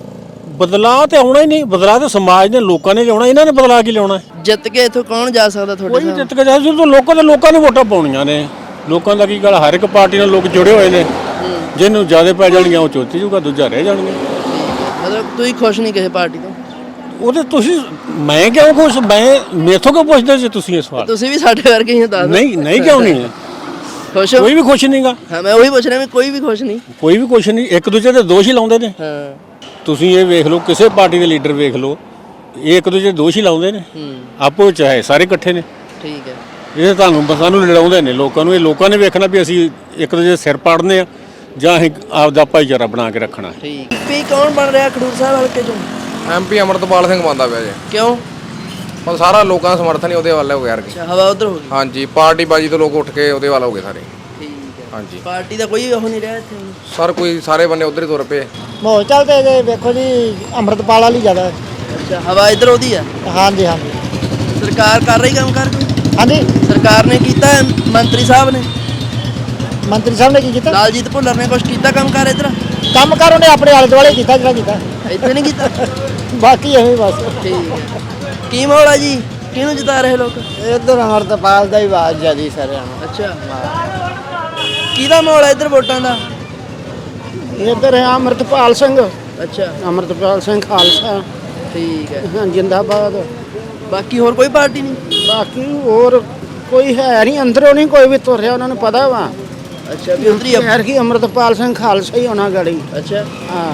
[SPEAKER 6] ਬਦਲਾਅ ਤੇ ਆਉਣਾ ਹੀ ਨਹੀਂ, ਬਦਲਾਅ ਤੇ ਸਮਾਜ ਨੇ ਲੋਕਾਂ ਨੇ ਲਿਆਉਣਾ, ਇਹਨਾਂ ਨੇ ਬਦਲਾਅ ਕੀ ਲਿਆਉਣਾ?
[SPEAKER 8] ਜਿੱਤ ਕੇ ਇੱਥੋਂ ਕੌਣ ਜਾ ਸਕਦਾ ਤੁਹਾਡੇ
[SPEAKER 6] ਕੋਈ ਵੀ
[SPEAKER 8] ਹਿਸਾਬ
[SPEAKER 6] ਜਿੱਤ ਕੇ ਜਾਏ, ਜਦੋਂ ਲੋਕਾਂ ਦੇ ਲੋਕਾਂ ਨੇ ਵੋਟਾਂ ਪਾਉਣੀਆਂ ਨੇ। ਲੋਕਾਂ ਦਾ ਕੀ ਗੱਲ, ਹਰ ਇੱਕ ਪਾਰਟੀ ਨਾਲ ਲੋਕ ਜੁੜੇ ਹੋਏ ਨੇ, ਜਿਹਨੂੰ ਜ਼ਿਆਦਾ ਪੈ ਜਾਣਗੀਆਂ ਉਹ ਚੋਤੀ ਜੂਗਾ, ਦੂਜਾ ਰਹਿ ਜਾਣਗੇ।
[SPEAKER 8] ਮਤਲਬ ਤੁਸੀਂ ਖੁਸ਼ ਨਹੀਂ ਕਿਸੇ ਪਾਰਟੀ ਤੋਂ?
[SPEAKER 6] ਉਹਦੇ ਤੁਸੀਂ ਮੈਂ ਕਿਉਂ ਖੁਸ਼, ਮੈਂ ਮੇਥੋਂ ਕਿਉਂ ਪੁੱਛਦੇ ਜੇ ਤੁਸੀਂ ਇਹ ਸਵਾਲ?
[SPEAKER 8] ਤੁਸੀਂ ਵੀ ਸਾਡੇ ਵਰਗੇ ਹੀ ਹੋ, ਦੱਸ ਦਿਓ।
[SPEAKER 6] ਨਹੀਂ ਨਹੀਂ ਕਿਉਂ ਨਹੀਂ,
[SPEAKER 8] ਖੁਸ਼ ਹੋ?
[SPEAKER 6] ਕੋਈ ਵੀ ਖੁਸ਼ ਨਹੀਂਗਾ।
[SPEAKER 8] ਹਾਂ ਮੈਂ ਉਹੀ ਪੁੱਛ ਰਿਹਾ, ਵੀ ਕੋਈ ਵੀ ਖੁਸ਼ ਨਹੀਂ?
[SPEAKER 6] ਕੋਈ ਵੀ ਕੁਛ ਨਹੀਂ, ਇੱਕ ਦੂਜੇ ਦੇ ਦੋਸ਼ ਹੀ ਲਾਉਂਦੇ ਨੇ।
[SPEAKER 8] ਹਾਂ
[SPEAKER 6] ਤੁਸੀਂ ਇਹ ਵੇਖ ਲਓ, ਕਿਸੇ ਪਾਰਟੀ ਦੇ ਲੀਡਰ ਵੇਖ ਲਓ, ਇਹ ਇੱਕ ਦੂਜੇ ਦੇ ਦੋਸ਼ ਹੀ ਲਾਉਂਦੇ ਨੇ,
[SPEAKER 8] ਹੂੰ
[SPEAKER 6] ਆਪੋ ਚਾਹੇ ਸਾਰੇ ਇਕੱਠੇ ਨੇ।
[SPEAKER 8] ਠੀਕ ਹੈ।
[SPEAKER 6] ਇਹ ਤੁਹਾਨੂੰ ਸਾਨੂੰ ਲੜਾਉਂਦੇ ਨੇ ਲੋਕਾਂ ਨੂੰ, ਇਹ ਲੋਕਾਂ ਨੇ ਵੇਖਣਾ ਵੀ ਅਸੀਂ ਇੱਕ ਦੂਜੇ ਦੇ ਸਿਰ ਪਾੜਨੇ ਆ ਜਾਂ ਅਸੀਂ ਆਪਦਾ ਭਾਈਚਾਰਾ ਬਣਾ ਕੇ ਰੱਖਣਾ।
[SPEAKER 8] ਠੀਕ। ਐਮਪੀ ਕੌਣ ਬਣ ਰਿਹਾ ਖਡੂਰ ਸਾਹਿਬ ਹਲਕੇ ਚੋਂ?
[SPEAKER 5] ਐਮਪੀ ਅੰਮ੍ਰਿਤਪਾਲ ਸਿੰਘ ਬਣਦਾ ਪਿਆ ਜੀ।
[SPEAKER 8] ਕਿਉਂ?
[SPEAKER 5] ਪਰ ਸਾਰਾ ਲੋਕਾਂ ਦਾ ਸਮਰਥਨ ਹੀ ਉਹਦੇ ਵੱਲ ਹੋ ਗਿਆ ਯਾਰ।
[SPEAKER 8] ਅੱਛਾ ਹਵਾ ਉਧਰ ਹੋ ਗਈ।
[SPEAKER 5] ਹਾਂਜੀ ਪਾਰਟੀ ਬਾਜੀ ਤੋਂ ਲੋਕ ਉੱਠ ਕੇ ਉਹਦੇ ਵੱਲ ਹੋ ਗਏ ਸਾਰੇ।
[SPEAKER 8] ਠੀਕ ਹੈ।
[SPEAKER 5] ਹਾਂਜੀ
[SPEAKER 8] ਪਾਰਟੀ ਦਾ ਕੋਈ ਉਹ ਨਹੀਂ ਰਿਹਾ ਇੱਥੇ?
[SPEAKER 5] ਸਰ ਕੋਈ ਸਾਰੇ ਬੰਨੇ ਉਧਰ ਹੀ ਤੁਰ ਪਏ।
[SPEAKER 3] ਮਾਹੌਲ ਚੱਲਦੇ ਜੇ ਵੇਖੋ ਜੀ, ਅੰਮ੍ਰਿਤਪਾਲ ਵਾਲੀ ਜ਼ਿਆਦਾ।
[SPEAKER 8] ਅੱਛਾ ਹਵਾ ਇੱਧਰ ਉਹਦੀ ਆ?
[SPEAKER 3] ਹਾਂਜੀ ਹਾਂਜੀ
[SPEAKER 8] ਸਰਕਾਰ ਕਰ ਰਹੀ ਕੰਮ ਕਰ ਕੋਈ?
[SPEAKER 3] ਹਾਂਜੀ
[SPEAKER 8] ਸਰਕਾਰ ਨੇ ਕੀਤਾ ਹੈ, ਮੰਤਰੀ ਸਾਹਿਬ ਨੇ,
[SPEAKER 3] ਮੰਤਰੀ ਸਾਹਿਬ ਨੇ ਕੀ ਕੀਤਾ?
[SPEAKER 8] ਲਾਲਜੀਤ ਭੁੱਲਰ ਨੇ ਕੁਝ ਕੀਤਾ ਕੰਮ ਕਰ ਇੱਧਰ?
[SPEAKER 3] ਕੰਮ ਕਰ ਉਹਨੇ ਆਪਣੇ ਆਲੇ ਦੁਆਲੇ ਕੀਤਾ ਜਿਹੜਾ ਕੀਤਾ,
[SPEAKER 8] ਇੱਥੇ ਨਹੀਂ ਕੀਤਾ?
[SPEAKER 3] ਬਾਕੀ ਐਵੇਂ ਬਸ।
[SPEAKER 8] ਠੀਕ ਹੈ। ਕੀ ਮਾਹੌਲ ਆ ਜੀ, ਕਿਹਨੂੰ ਜਿਤਾ ਰਹੇ ਲੋਕ?
[SPEAKER 3] ਇੱਧਰ ਅੰਮ੍ਰਿਤਪਾਲ ਦਾ ਹੀ ਆਵਾਜ਼ ਜ਼ਿਆਦੀ ਸਾਰਿਆਂ ਨੂੰ।
[SPEAKER 8] ਅੱਛਾ ਕਿਹਦਾ ਮਾਹੌਲ ਹੈ ਇੱਧਰ ਵੋਟਾਂ ਦਾ?
[SPEAKER 3] ਇੱਧਰ ਹੈ ਅੰਮ੍ਰਿਤਪਾਲ ਸਿੰਘ।
[SPEAKER 8] ਅੱਛਾ
[SPEAKER 3] ਅੰਮ੍ਰਿਤਪਾਲ ਸਿੰਘ ਖਾਲਸਾ
[SPEAKER 8] ਠੀਕ ਹੈ।
[SPEAKER 3] ਹਾਂ ਜਿੰਦਾਬਾਦ।
[SPEAKER 8] ਬਾਕੀ ਹੋਰ ਕੋਈ ਪਾਰਟੀ ਨਹੀਂ?
[SPEAKER 3] ਬਾਕੀ ਹੋਰ ਕੋਈ ਹੈ ਨਹੀਂ, ਅੰਦਰੋਂ ਨਹੀਂ ਕੋਈ ਵੀ ਤੁਰਿਆ, ਉਹਨਾਂ ਨੂੰ ਪਤਾ ਵਾ।
[SPEAKER 8] ਅੱਛਾ ਵੀ ਉਧਰ ਹੀ ਆ?
[SPEAKER 3] ਯਾਰ ਕੀ ਅੰਮ੍ਰਿਤਪਾਲ ਸਿੰਘ ਖਾਲਸਾ ਹੀ ਹੋਣਾ ਗਾੜੀ।
[SPEAKER 8] ਅੱਛਾ
[SPEAKER 3] ਹਾਂ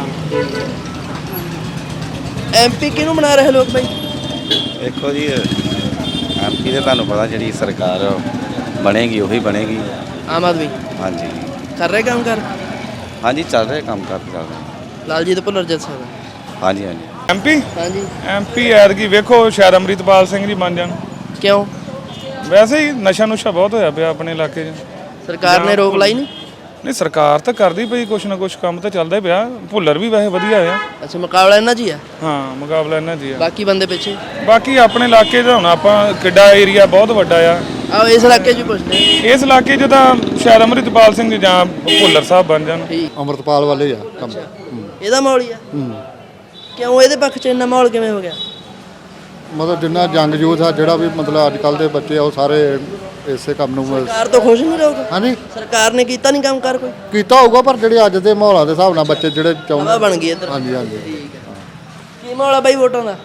[SPEAKER 8] ਐਮਪੀ ਕਿਹਨੂੰ ਬਣਾ ਰਹੇ ਲੋਕ ਬਾਈ?
[SPEAKER 10] ਦੇਖੋ ਜੀ ਐਮਪੀ ਦੇ ਤੁਹਾਨੂੰ ਪਤਾ ਜਿਹੜੀ ਸਰਕਾਰ ਬਣੇਗੀ ਉਹੀ ਬਣੇਗੀ।
[SPEAKER 8] ਆਮ ਆਦਮੀ
[SPEAKER 10] ਹਾਂਜੀ
[SPEAKER 8] ਕਰ ਰਹੇ ਕੰਮ ਕਰ?
[SPEAKER 10] ਹਾਂਜੀ ਚੱਲ ਰਿਹਾ ਕੰਮ ਕਰ ਚੱਲ ਰਿਹਾ।
[SPEAKER 8] ਲਾਲਜੀਤ ਭੁੱਲਰ ਜਿੱਤ ਸਕਦਾ?
[SPEAKER 10] ਹਾਂਜੀ ਹਾਂਜੀ
[SPEAKER 6] ਐਮਪੀ
[SPEAKER 8] ਹਾਂਜੀ।
[SPEAKER 6] ਐਮਪੀ ਐਤਕੀ ਵੇਖੋ ਸ਼ਾਇਦ ਅੰਮ੍ਰਿਤਪਾਲ ਸਿੰਘ ਜੀ ਬਣ ਜਾਣ।
[SPEAKER 8] ਕਿਉਂ?
[SPEAKER 6] ਵੈਸੇ ਹੀ ਨਸ਼ਾ ਨੁਸ਼ਾ ਬਹੁਤ ਹੋਇਆ ਪਿਆ ਆਪਣੇ ਇਲਾਕੇ 'ਚ।
[SPEAKER 8] ਸਰਕਾਰ ਨੇ ਰੋਕ ਲਾਈ ਨਹੀਂ?
[SPEAKER 6] ਨਹੀਂ ਸਰਕਾਰ ਤਾਂ ਕਰਦੀ ਪਈ ਕੁਛ ਨਾ ਕੁਛ, ਕੰਮ ਤਾਂ ਚੱਲਦਾ ਹੀ ਪਿਆ। ਭੁੱਲਰ ਵੀ ਵੈਸੇ ਵਧੀਆ ਆ।
[SPEAKER 8] ਅੱਛਾ ਮੁਕਾਬਲਾ ਇਹਨਾਂ 'ਚ ਹੀ ਆ?
[SPEAKER 6] ਹਾਂ ਮੁਕਾਬਲਾ ਇਹਨਾਂ ਦੀ ਆ।
[SPEAKER 8] ਬਾਕੀ ਬੰਦੇ ਪਿੱਛੇ?
[SPEAKER 6] ਬਾਕੀ ਆਪਣੇ ਇਲਾਕੇ 'ਚ ਹੁਣ ਆਪਾਂ ਕਿੱਡਾ ਏਰੀਆ ਬਹੁਤ ਵੱਡਾ ਆ।
[SPEAKER 8] ਆਓ ਇਸ ਇਲਾਕੇ 'ਚ ਵੀ ਪੁੱਛਦੇ ਹਾਂ।
[SPEAKER 6] ਇਸ ਇਲਾਕੇ 'ਚ ਤਾਂ ਸ਼ਾਇਦ ਅੰਮ੍ਰਿਤਪਾਲ ਸਿੰਘ ਜਾਂ ਭੁੱਲਰ ਸਾਹਿਬ ਬਣ ਜਾਣ।
[SPEAKER 8] ਠੀਕ।
[SPEAKER 9] ਅੰਮ੍ਰਿਤਪਾਲ ਵਾਲੇ ਆ ਕੰਮ।
[SPEAKER 8] ਇਹਦਾ ਮਾਹੌਲ ਹੀ ਆ? ਕਿਉਂ ਇਹਦੇ ਪੱਖ 'ਚ ਇੰਨਾ ਮਾਹੌਲ ਕਿਵੇਂ ਹੋ ਗਿਆ?
[SPEAKER 9] ਮਤਲਬ ਜਿੰਨਾ ਜੰਗ ਯੂਥ ਆ ਜਿਹੜਾ ਵੀ ਮਤਲਬ ਅੱਜ ਕੱਲ ਦੇ ਬੱਚੇ ਆ ਉਹ ਸਾਰੇ ਇਸੇ ਕੰਮ ਨੂੰ
[SPEAKER 8] ਸਰਕਾਰ ਤੋਂ ਖੁਸ਼ ਨਹੀਂ ਰਹੋਗੇ?
[SPEAKER 9] ਹਾਂਜੀ
[SPEAKER 8] ਸਰਕਾਰ ਨੇ ਕੀਤਾ ਨਹੀਂ ਕੰਮ ਕਰ ਕੋਈ?
[SPEAKER 9] ਕੀਤਾ ਹੋਊਗਾ ਪਰ ਜਿਹੜੇ ਅੱਜ ਦੇ ਮਾਹੌਲਾਂ ਦੇ ਹਿਸਾਬ ਨਾਲ ਬੱਚੇ ਜਿਹੜੇ
[SPEAKER 8] ਹਵਾ
[SPEAKER 9] ਚਾਹੁੰਦੇ
[SPEAKER 8] ਬਣ ਗਈ ਇੱਧਰ।
[SPEAKER 9] ਹਾਂਜੀ ਹਾਂਜੀ
[SPEAKER 8] ਠੀਕ ਹੈ। ਕੀ ਮਾਹੌਲ ਆ ਬਾਈ ਵੋਟਾਂ ਦਾ?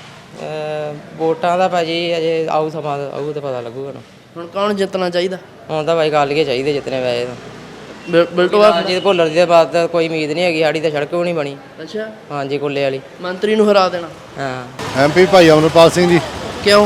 [SPEAKER 3] ਵੋਟਾਂ ਦਾ ਭਾਜੀ ਅਜੇ ਆਊ ਸਮਾਂ ਆਊ ਤੇ ਪਤਾ ਲੱਗੂਗਾ ਨਾ।
[SPEAKER 8] ਹੁਣ ਕੌਣ ਜਿੱਤਣਾ ਚਾਹੀਦਾ?
[SPEAKER 3] ਹੁਣ ਤਾਂ ਭਾਈ ਕਾਲੀਏ ਚਾਹੀਦੇ ਜਿੱਤਨੇ ਵੈਸੇ ਤਾਂ
[SPEAKER 8] ਬਿਲ- ਬਿਲਟੋਆ
[SPEAKER 3] ਜੇ ਭੁੱਲਰ ਦੀ ਬਾਤ ਤਾਂ ਕੋਈ ਉਮੀਦ ਨਹੀਂ ਹੈਗੀ ਸਾਡੀ ਤਾਂ ਸੜਕ ਵੀ ਨਹੀਂ ਬਣੀ।
[SPEAKER 8] ਅੱਛਾ,
[SPEAKER 3] ਹਾਂਜੀ ਕੁੱਲੇ ਵਾਲੀ।
[SPEAKER 8] ਮੰਤਰੀ ਨੂੰ ਹਰਾ ਦੇਣਾ।
[SPEAKER 3] ਹਾਂ
[SPEAKER 9] ਐਮਪੀ ਭਾਈ ਅਮਰਪਾਲ ਸਿੰਘ ਜੀ
[SPEAKER 8] ਕਿਉਂ?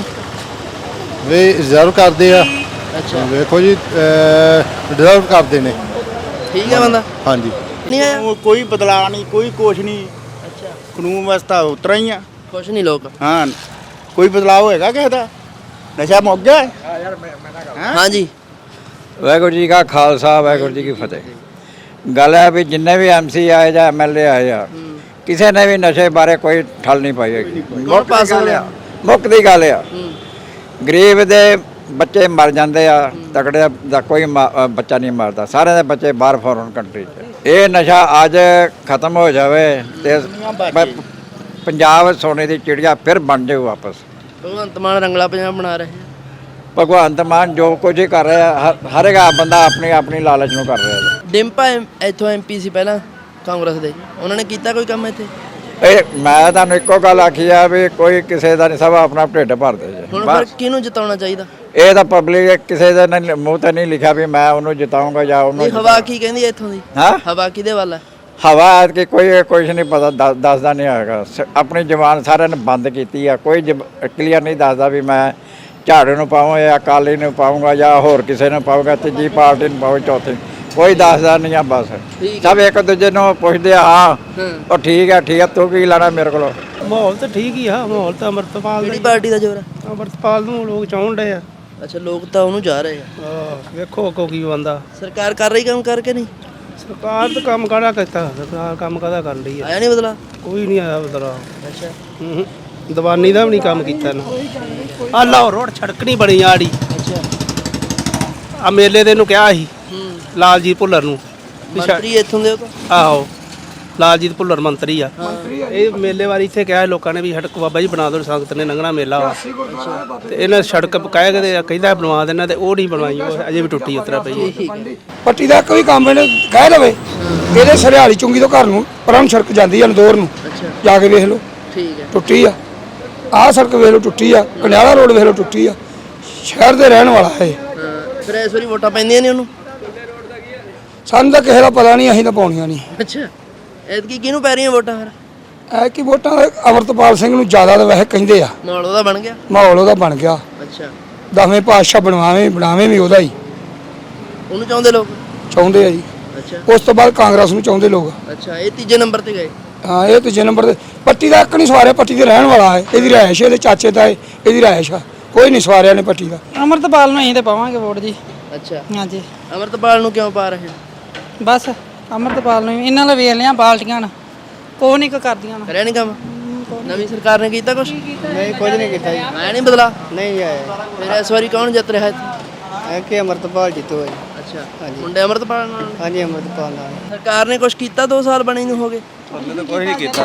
[SPEAKER 9] ਵੀ ਰਿਜ਼ਰਵ ਕਰਦੇ ਆ।
[SPEAKER 8] ਅੱਛਾ,
[SPEAKER 9] ਵੇਖੋ ਜੀ ਰਿਜ਼ਰਵ ਕਰਦੇ ਨੇ।
[SPEAKER 8] ਠੀਕ ਹੈ ਬੰਦਾ।
[SPEAKER 9] ਹਾਂਜੀ
[SPEAKER 8] ਨਹੀਂ ਆਇਆ?
[SPEAKER 11] ਕੋਈ ਬਦਲਾਅ ਨਹੀਂ, ਕੋਈ ਕੁਛ ਨਹੀਂ,
[SPEAKER 8] ਅੱਛਾ,
[SPEAKER 11] ਕਾਨੂੰਨ ਵਿਵਸਥਾ ਉਤਰਾ ਹੀ ਆ।
[SPEAKER 8] ਖੁਸ਼ ਨਹੀਂ ਲੋਕ?
[SPEAKER 11] ਹਾਂ, ਕੋਈ ਬਦਲਾਅ ਹੋਏਗਾ ਕਿਸੇ ਦਾ? ਨਸ਼ਾ ਮੁੱਕ ਗਿਆ?
[SPEAKER 8] ਹਾਂਜੀ,
[SPEAKER 5] ਵਾਹਿਗੁਰੂ ਜੀ ਕਾ ਖਾਲਸਾ ਵਾਹਿਗੁਰੂ ਜੀ ਕੀ ਫਤਿਹ। ਗੱਲ ਹੈ ਵੀ ਜਿੰਨੇ ਵੀ ਐਮਸੀ ਆਏ ਜਾਂ ਐਮਐਲਏ ਆਏ ਆ ਕਿਸੇ ਨੇ ਵੀ ਨਸ਼ੇ ਬਾਰੇ ਕੋਈ ਠੱਲ ਨਹੀਂ ਪਾਈ ਹੈਗੀ। ਮੁੱਖ
[SPEAKER 8] ਪਾਸ
[SPEAKER 5] ਦੀ ਗੱਲ
[SPEAKER 8] ਹੋਇਆ?
[SPEAKER 5] ਆ ਮੁੱਖ ਦੀ ਗੱਲ ਆ ਗਰੀਬ ਦੇ ਬੱਚੇ ਮਰ ਜਾਂਦੇ ਆ, ਤਕੜੇ ਦਾ ਕੋਈ ਮਾ- ਅ, ਬੱਚਾ ਨਹੀਂ ਮਰਦਾ। ਸਾਰਿਆਂ ਦੇ ਬੱਚੇ ਬਾਹਰ ਫੋਰਨ ਕੰਟਰੀ 'ਚ। ਇਹ ਨਸ਼ਾ ਅੱਜ ਖਤਮ ਹੋ ਜਾਵੇ ਤੇ ਪ- ਪੰਜਾਬ ਸੋਨੇ ਦੀ ਚਿੜੀਆ ਫਿਰ ਬਣ ਜਾਊ ਵਾਪਸ।
[SPEAKER 8] ਭਗਵੰਤ ਮਾਨ ਰੰਗਲਾ ਪੰਜਾਬ ਬਣਾ ਰਹੇ ਆ।
[SPEAKER 5] ਭਗਵੰਤ ਮਾਨ ਜੋ ਕੁਝ ਹੀ ਕਰ ਰਿਹਾ ਹਰ- ਹਰ ਇੱਕ ਬੰਦਾ ਆਪਣੀ ਆਪਣੀ ਲਾਲਚ ਨੂੰ ਕਰ ਰਿਹਾ।
[SPEAKER 8] ਡਿੰਪਾ ਐਮ- ਇੱਥੋਂ ਐਮਪੀ ਸੀ ਪਹਿਲਾਂ ਕਾਂਗਰਸ ਦੇ, ਉਹਨਾਂ ਨੇ ਕੀਤਾ ਕੋਈ ਕੰਮ ਇੱਥੇ?
[SPEAKER 5] ਇਹ ਮੈਂ ਤੁਹਾਨੂੰ ਇੱਕੋ ਗੱਲ ਆਖੀ ਆ ਵੀ ਕੋਈ ਕਿਸੇ ਦਾ ਨਹੀਂ, ਸਭ ਆਪਣਾ ਢਿੱਡ ਭਰਦੇ ਜੇ
[SPEAKER 8] ਹੁਣ ਫਿਰ
[SPEAKER 5] ਬਸ।
[SPEAKER 8] ਕਿਹਨੂੰ ਜਿਤਾਉਣਾ ਚਾਹੀਦਾ?
[SPEAKER 5] ਇਹ ਤਾਂ ਪਬਲਿਕ ਕਿਸੇ ਦੇ ਨੇ ਮੂੰਹ ਤੇ ਨਹੀਂ ਲਿਖਿਆ ਵੀ ਮੈਂ ਉਹਨੂੰ ਜਿਤਾਉਂਗਾ ਜਾਂ ਉਹਨੂੰ
[SPEAKER 8] ਨਹੀਂ, ਹਵਾ ਕੀ ਕਹਿੰਦੀ ਹੈ ਇੱਥੋਂ ਦੀ?
[SPEAKER 5] ਹਾਂ
[SPEAKER 8] ਹਵਾ ਕਿਹਦੇ ਵੱਲ ਹੈ?
[SPEAKER 5] ਹਵਾ ਕਿ ਕੋਈ ਕੁਝ ਨਹੀਂ ਪਤਾ ਦੱਸ- ਦੱਸਦਾ ਨਹੀਂ ਹੈਗਾ। ਸ- ਆਪਣੀ ਜ਼ਬਾਨ ਸਾਰਿਆਂ ਨੇ ਬੰਦ ਕੀਤੀ ਆ। ਕੋਈ ਕਲੀਅਰ ਨਹੀਂ ਦੱਸਦਾ ਵੀ ਮੈਂ ਝਾੜੂ ਨੂੰ ਪਾਵਾਂ ਜਾਂ ਅਕਾਲੀ ਨੂੰ ਪਾਊਂਗਾ ਜਾਂ ਹੋਰ ਕਿਸੇ ਨੂੰ ਪਾਊਂਗਾ, ਤੀਜੀ ਪਾਰਟੀ ਨੂੰ ਪਾਊਂ, ਚੌਥੀ ਕੋਈ ਦੱਸਦਾ ਨਹੀਂ ਆ। ਬਸ ਸਭ ਇੱਕ ਦੂਜੇ ਨੂੰ ਪੁੱਛਦੇ ਆ ਹਾਂ ਉਹ ਠੀਕ ਹੈ ਠੀਕ ਹੈ ਤੂੰ ਕੀ ਲੈਣਾ ਮੇਰੇ ਕੋਲੋਂ।
[SPEAKER 1] ਮਾਹੌਲ ਤਾਂ ਠੀਕ ਹੀ ਆ। ਮਾਹੌਲ ਤਾਂ ਅੰਮ੍ਰਿਤਪਾਲ
[SPEAKER 8] ਕਿਹੜੀ ਪਾਰਟੀ ਦਾ ਜ਼ੋਰ ਹੈ?
[SPEAKER 1] ਅੰਮ੍ਰਿਤਪਾਲ ਨੂੰ ਲੋਕ ਚਾਹੁਣ ਡਏ ਆ।
[SPEAKER 8] ਅੱਛਾ, ਲੋਕ ਤਾਂ ਉਹਨੂੰ ਜਾ ਰਹੇ ਆ।
[SPEAKER 1] ਆਹ, ਵੇਖੋ ਕੋ ਕੀ ਬੰਦਾ।
[SPEAKER 8] ਸਰਕਾਰ ਕਰ ਰਹੀ ਕੰਮ ਕਰਕੇ ਨਹੀਂ?
[SPEAKER 1] ਸਰਕਾਰ ਤਾਂ ਕੰਮ ਕਾਹਦਾ ਕੀਤਾ? ਸਰਕਾਰ ਕੰਮ ਕਾਹਦਾ ਕਰਨ ਰਹੀ ਆ?
[SPEAKER 8] ਆਇਆ ਨਹੀਂ ਬਦਲਾ?
[SPEAKER 1] ਕੋਈ ਨਹੀਂ ਆਇਆ ਬਦਲਾ।
[SPEAKER 8] ਅੱਛਾ,
[SPEAKER 1] ਹੂੰ ਦੀਵਾਨੀ ਦਾ ਵੀ ਨਹੀਂ ਕੰਮ ਕੀਤਾ ਨਾ। ਆ ਲਾਹੌਰ ਰੋਡ ਸੜਕ ਨਹੀਂ ਬਣੀ ਆੜੀ।
[SPEAKER 8] ਅੱਛਾ,
[SPEAKER 1] ਆ ਮੇਲੇ ਦੇ ਨੂੰ ਕਿਹਾ ਸੀ
[SPEAKER 8] ਹੂੰ,
[SPEAKER 1] ਲਾਲਜੀਤ ਭੁੱਲਰ ਨੂੰ ਵੀ ਸੜ-
[SPEAKER 8] ਮੰਤਰੀ ਇੱਥੋਂ ਦੇ ਉਹ ਤਾਂ।
[SPEAKER 1] ਆਹੋ ਲਾਲਜੀਤ ਭੁੱਲਰ ਮੰਤਰੀ ਆ। ਇਹ ਮੇਲੇ ਵਾਰੀ ਇੱਥੇ ਕਿਹਾ ਲੋਕਾਂ ਨੇ ਵੀ ਸੜਕ ਬਾਬਾ ਜੀ ਬਣਾ ਦਿਓ, ਸੰਗਤ ਨੇ ਲੰਘਣਾ ਮੇਲਾ ਵਾ। ਤੇ ਇਹਨਾਂ ਸੜਕ ਕਹਿ ਕੇ ਕਹਿੰਦਾ ਬਣਵਾ ਦੇਣਾ ਤੇ ਉਹ ਨਹੀਂ ਬਣਵਾਈ, ਉਹ ਅਜੇ ਵੀ ਟੁੱਟੀ ਉਤਰਾ ਪਈ ਹੈ।
[SPEAKER 5] ਪੱਟੀ ਦਾ ਕੋਈ ਕੰਮ ਇਹਨੇ ਕਹਿ ਲਵੇ ਇਹਦੇ ਸਰਿਆਲੀ ਚੁੰਗੀ ਤੋਂ ਘਰ ਨੂੰ ਪਰਮ ਸੜਕ ਜਾਂਦੀ ਆ ਨਦੌਰ ਨੂੰ,
[SPEAKER 8] ਅੱਛਾ,
[SPEAKER 5] ਜਾ ਕੇ ਵੇਖ ਲਓ
[SPEAKER 8] ਠੀਕ ਹੈ।
[SPEAKER 5] ਟੁੱਟੀ ਆ। ਆਹ ਸੜਕ ਵੇਖ ਲਓ ਟੁੱਟੀ ਆ। ਕਨਿਆਲਾ ਰੋਡ ਵੇਖ ਲਓ ਟੁੱਟੀ ਆ। ਸ਼ਹਿਰ ਦੇ ਰਹਿਣ ਵਾਲਾ ਹੈ।
[SPEAKER 8] ਹਾਂ, ਫਿਰ ਇਸ ਵਾਰੀ ਵੋਟਾਂ ਪੈਂਦੀਆਂ ਨੇ ਉਹਨੂੰ?
[SPEAKER 5] ਸਾਨੂੰ ਤਾਂ ਕਿਸੇ ਦਾ ਪਤਾ ਨਹੀਂ, ਅਸੀਂ ਤਾਂ ਪਾਉਣੀਆਂ ਨਹੀਂ।
[SPEAKER 8] ਅੱਛਾ, ਐਤਕੀ ਕਿਹਨੂੰ ਪੈ ਰਹੀਆਂ ਵੋਟਾਂ ਫਿਰ?
[SPEAKER 5] ਐ ਕਿ ਵੋਟਾਂ ਅਮਰਤਪਾਲ ਸਿੰਘ ਨੂੰ ਜ਼ਿਆਦਾ ਤਾਂ ਵੈਸੇ ਕਹਿੰਦੇ ਆ।
[SPEAKER 8] ਮਾਹੌਲ ਉਹਦਾ ਬਣ ਗਿਆ?
[SPEAKER 5] ਮਾਹੌਲ ਉਹਦਾ ਬਣ ਗਿਆ।
[SPEAKER 8] ਅੱਛਾ,
[SPEAKER 5] ਦਸਵੇਂ ਪਾਤਸ਼ਾਹ ਬਣਵਾਵੇਂ ਬਣਾਵੇਂ ਵੀ ਉਹਦਾ ਹੀ
[SPEAKER 8] ਉਹਨੂੰ ਚਾਹੁੰਦੇ ਲੋਕ?
[SPEAKER 5] ਚਾਹੁੰਦੇ ਆ ਜੀ।
[SPEAKER 8] ਅੱਛਾ,
[SPEAKER 5] ਉਸ ਤੋਂ ਬਾਅਦ ਕਾਂਗਰਸ ਨੂੰ ਚਾਹੁੰਦੇ ਲੋਕ।
[SPEAKER 8] ਅੱਛਾ, ਇਹ ਤੀਜੇ ਨੰਬਰ ਤੇ ਗਏ?
[SPEAKER 5] ਹਾਂ ਇਹ ਤੀਜੇ ਨੰਬਰ ਤੇ। ਪੱਟੀ ਦਾ ਇੱਕ ਨਹੀਂ ਸਵਾਰਿਆ, ਪੱਟੀ ਦੇ ਰਹਿਣ ਵਾਲਾ ਹੈ। ਇਹਦੀ ਰਿਹਾਇਸ਼ ਇਹਦੇ ਚਾਚੇ ਦਾ ਹੈ, ਇਹਦੀ ਰਿਹਾਇਸ਼ ਆ। ਕੋਈ ਨਹੀਂ ਸਵਾਰਿਆ ਨੇ ਪੱਟੀ ਦਾ।
[SPEAKER 3] ਅਮਰਤਪਾਲ ਨੂੰ ਅਸੀਂ ਤੇ ਪਾਵਾਂਗੇ ਵੋਟ ਜੀ।
[SPEAKER 8] ਅੱਛਾ,
[SPEAKER 3] ਹਾਂਜੀ
[SPEAKER 8] ਅਮਰਤਪਾਲ ਨੂੰ ਕਿਉਂ ਪਾ ਰਹੇ ਹੋ?
[SPEAKER 3] ਬਸ ਅਮਰਤਪਾਲ ਨੂੰ ਇਹਨਾਂ ਨਾਲ ਵੇਖ ਲਿਆ ਬਾਲਟੀਆਂ ਨਾ ਕੋਈ ਨਹੀਂ ਕਰਦੀਆਂ ਨਾ।
[SPEAKER 8] ਕਰਿਆ ਨਹੀਂ ਕੰਮ? ਨਵੀਂ ਸਰਕਾਰ ਨੇ ਕੀਤਾ ਕੁਛ?
[SPEAKER 5] ਨਹੀਂ ਕੁਝ ਨਹੀਂ ਕੀਤਾ ਜੀ।
[SPEAKER 8] ਆਇਆ ਨਹੀਂ ਬਦਲਾ?
[SPEAKER 5] ਨਹੀਂ ਆਇਆ
[SPEAKER 8] ਫਿਰ ਇਸ ਵਾਰੀ ਕੌਣ ਜਿੱਤ ਰਿਹਾ ਇੱਥੇ?
[SPEAKER 5] ਐ ਕਿ ਅਮਰਤਪਾਲ ਜਿੱਤੂ ਜੀ।
[SPEAKER 8] ਅੱਛਾ, ਮੁੰਡੇ ਅਮਰਤਪਾਲ ਨਾਲ?
[SPEAKER 5] ਹਾਂਜੀ ਅਮਰਤਪਾਲ ਨਾਲ।
[SPEAKER 8] ਸਰਕਾਰ ਨੇ ਕੁਛ ਕੀਤਾ? ਦੋ ਸਾਲ ਬਣੇ ਨੂੰ ਹੋ ਗਏ।
[SPEAKER 5] ਕੋਈ ਨਹੀਂ ਕੀਤਾ।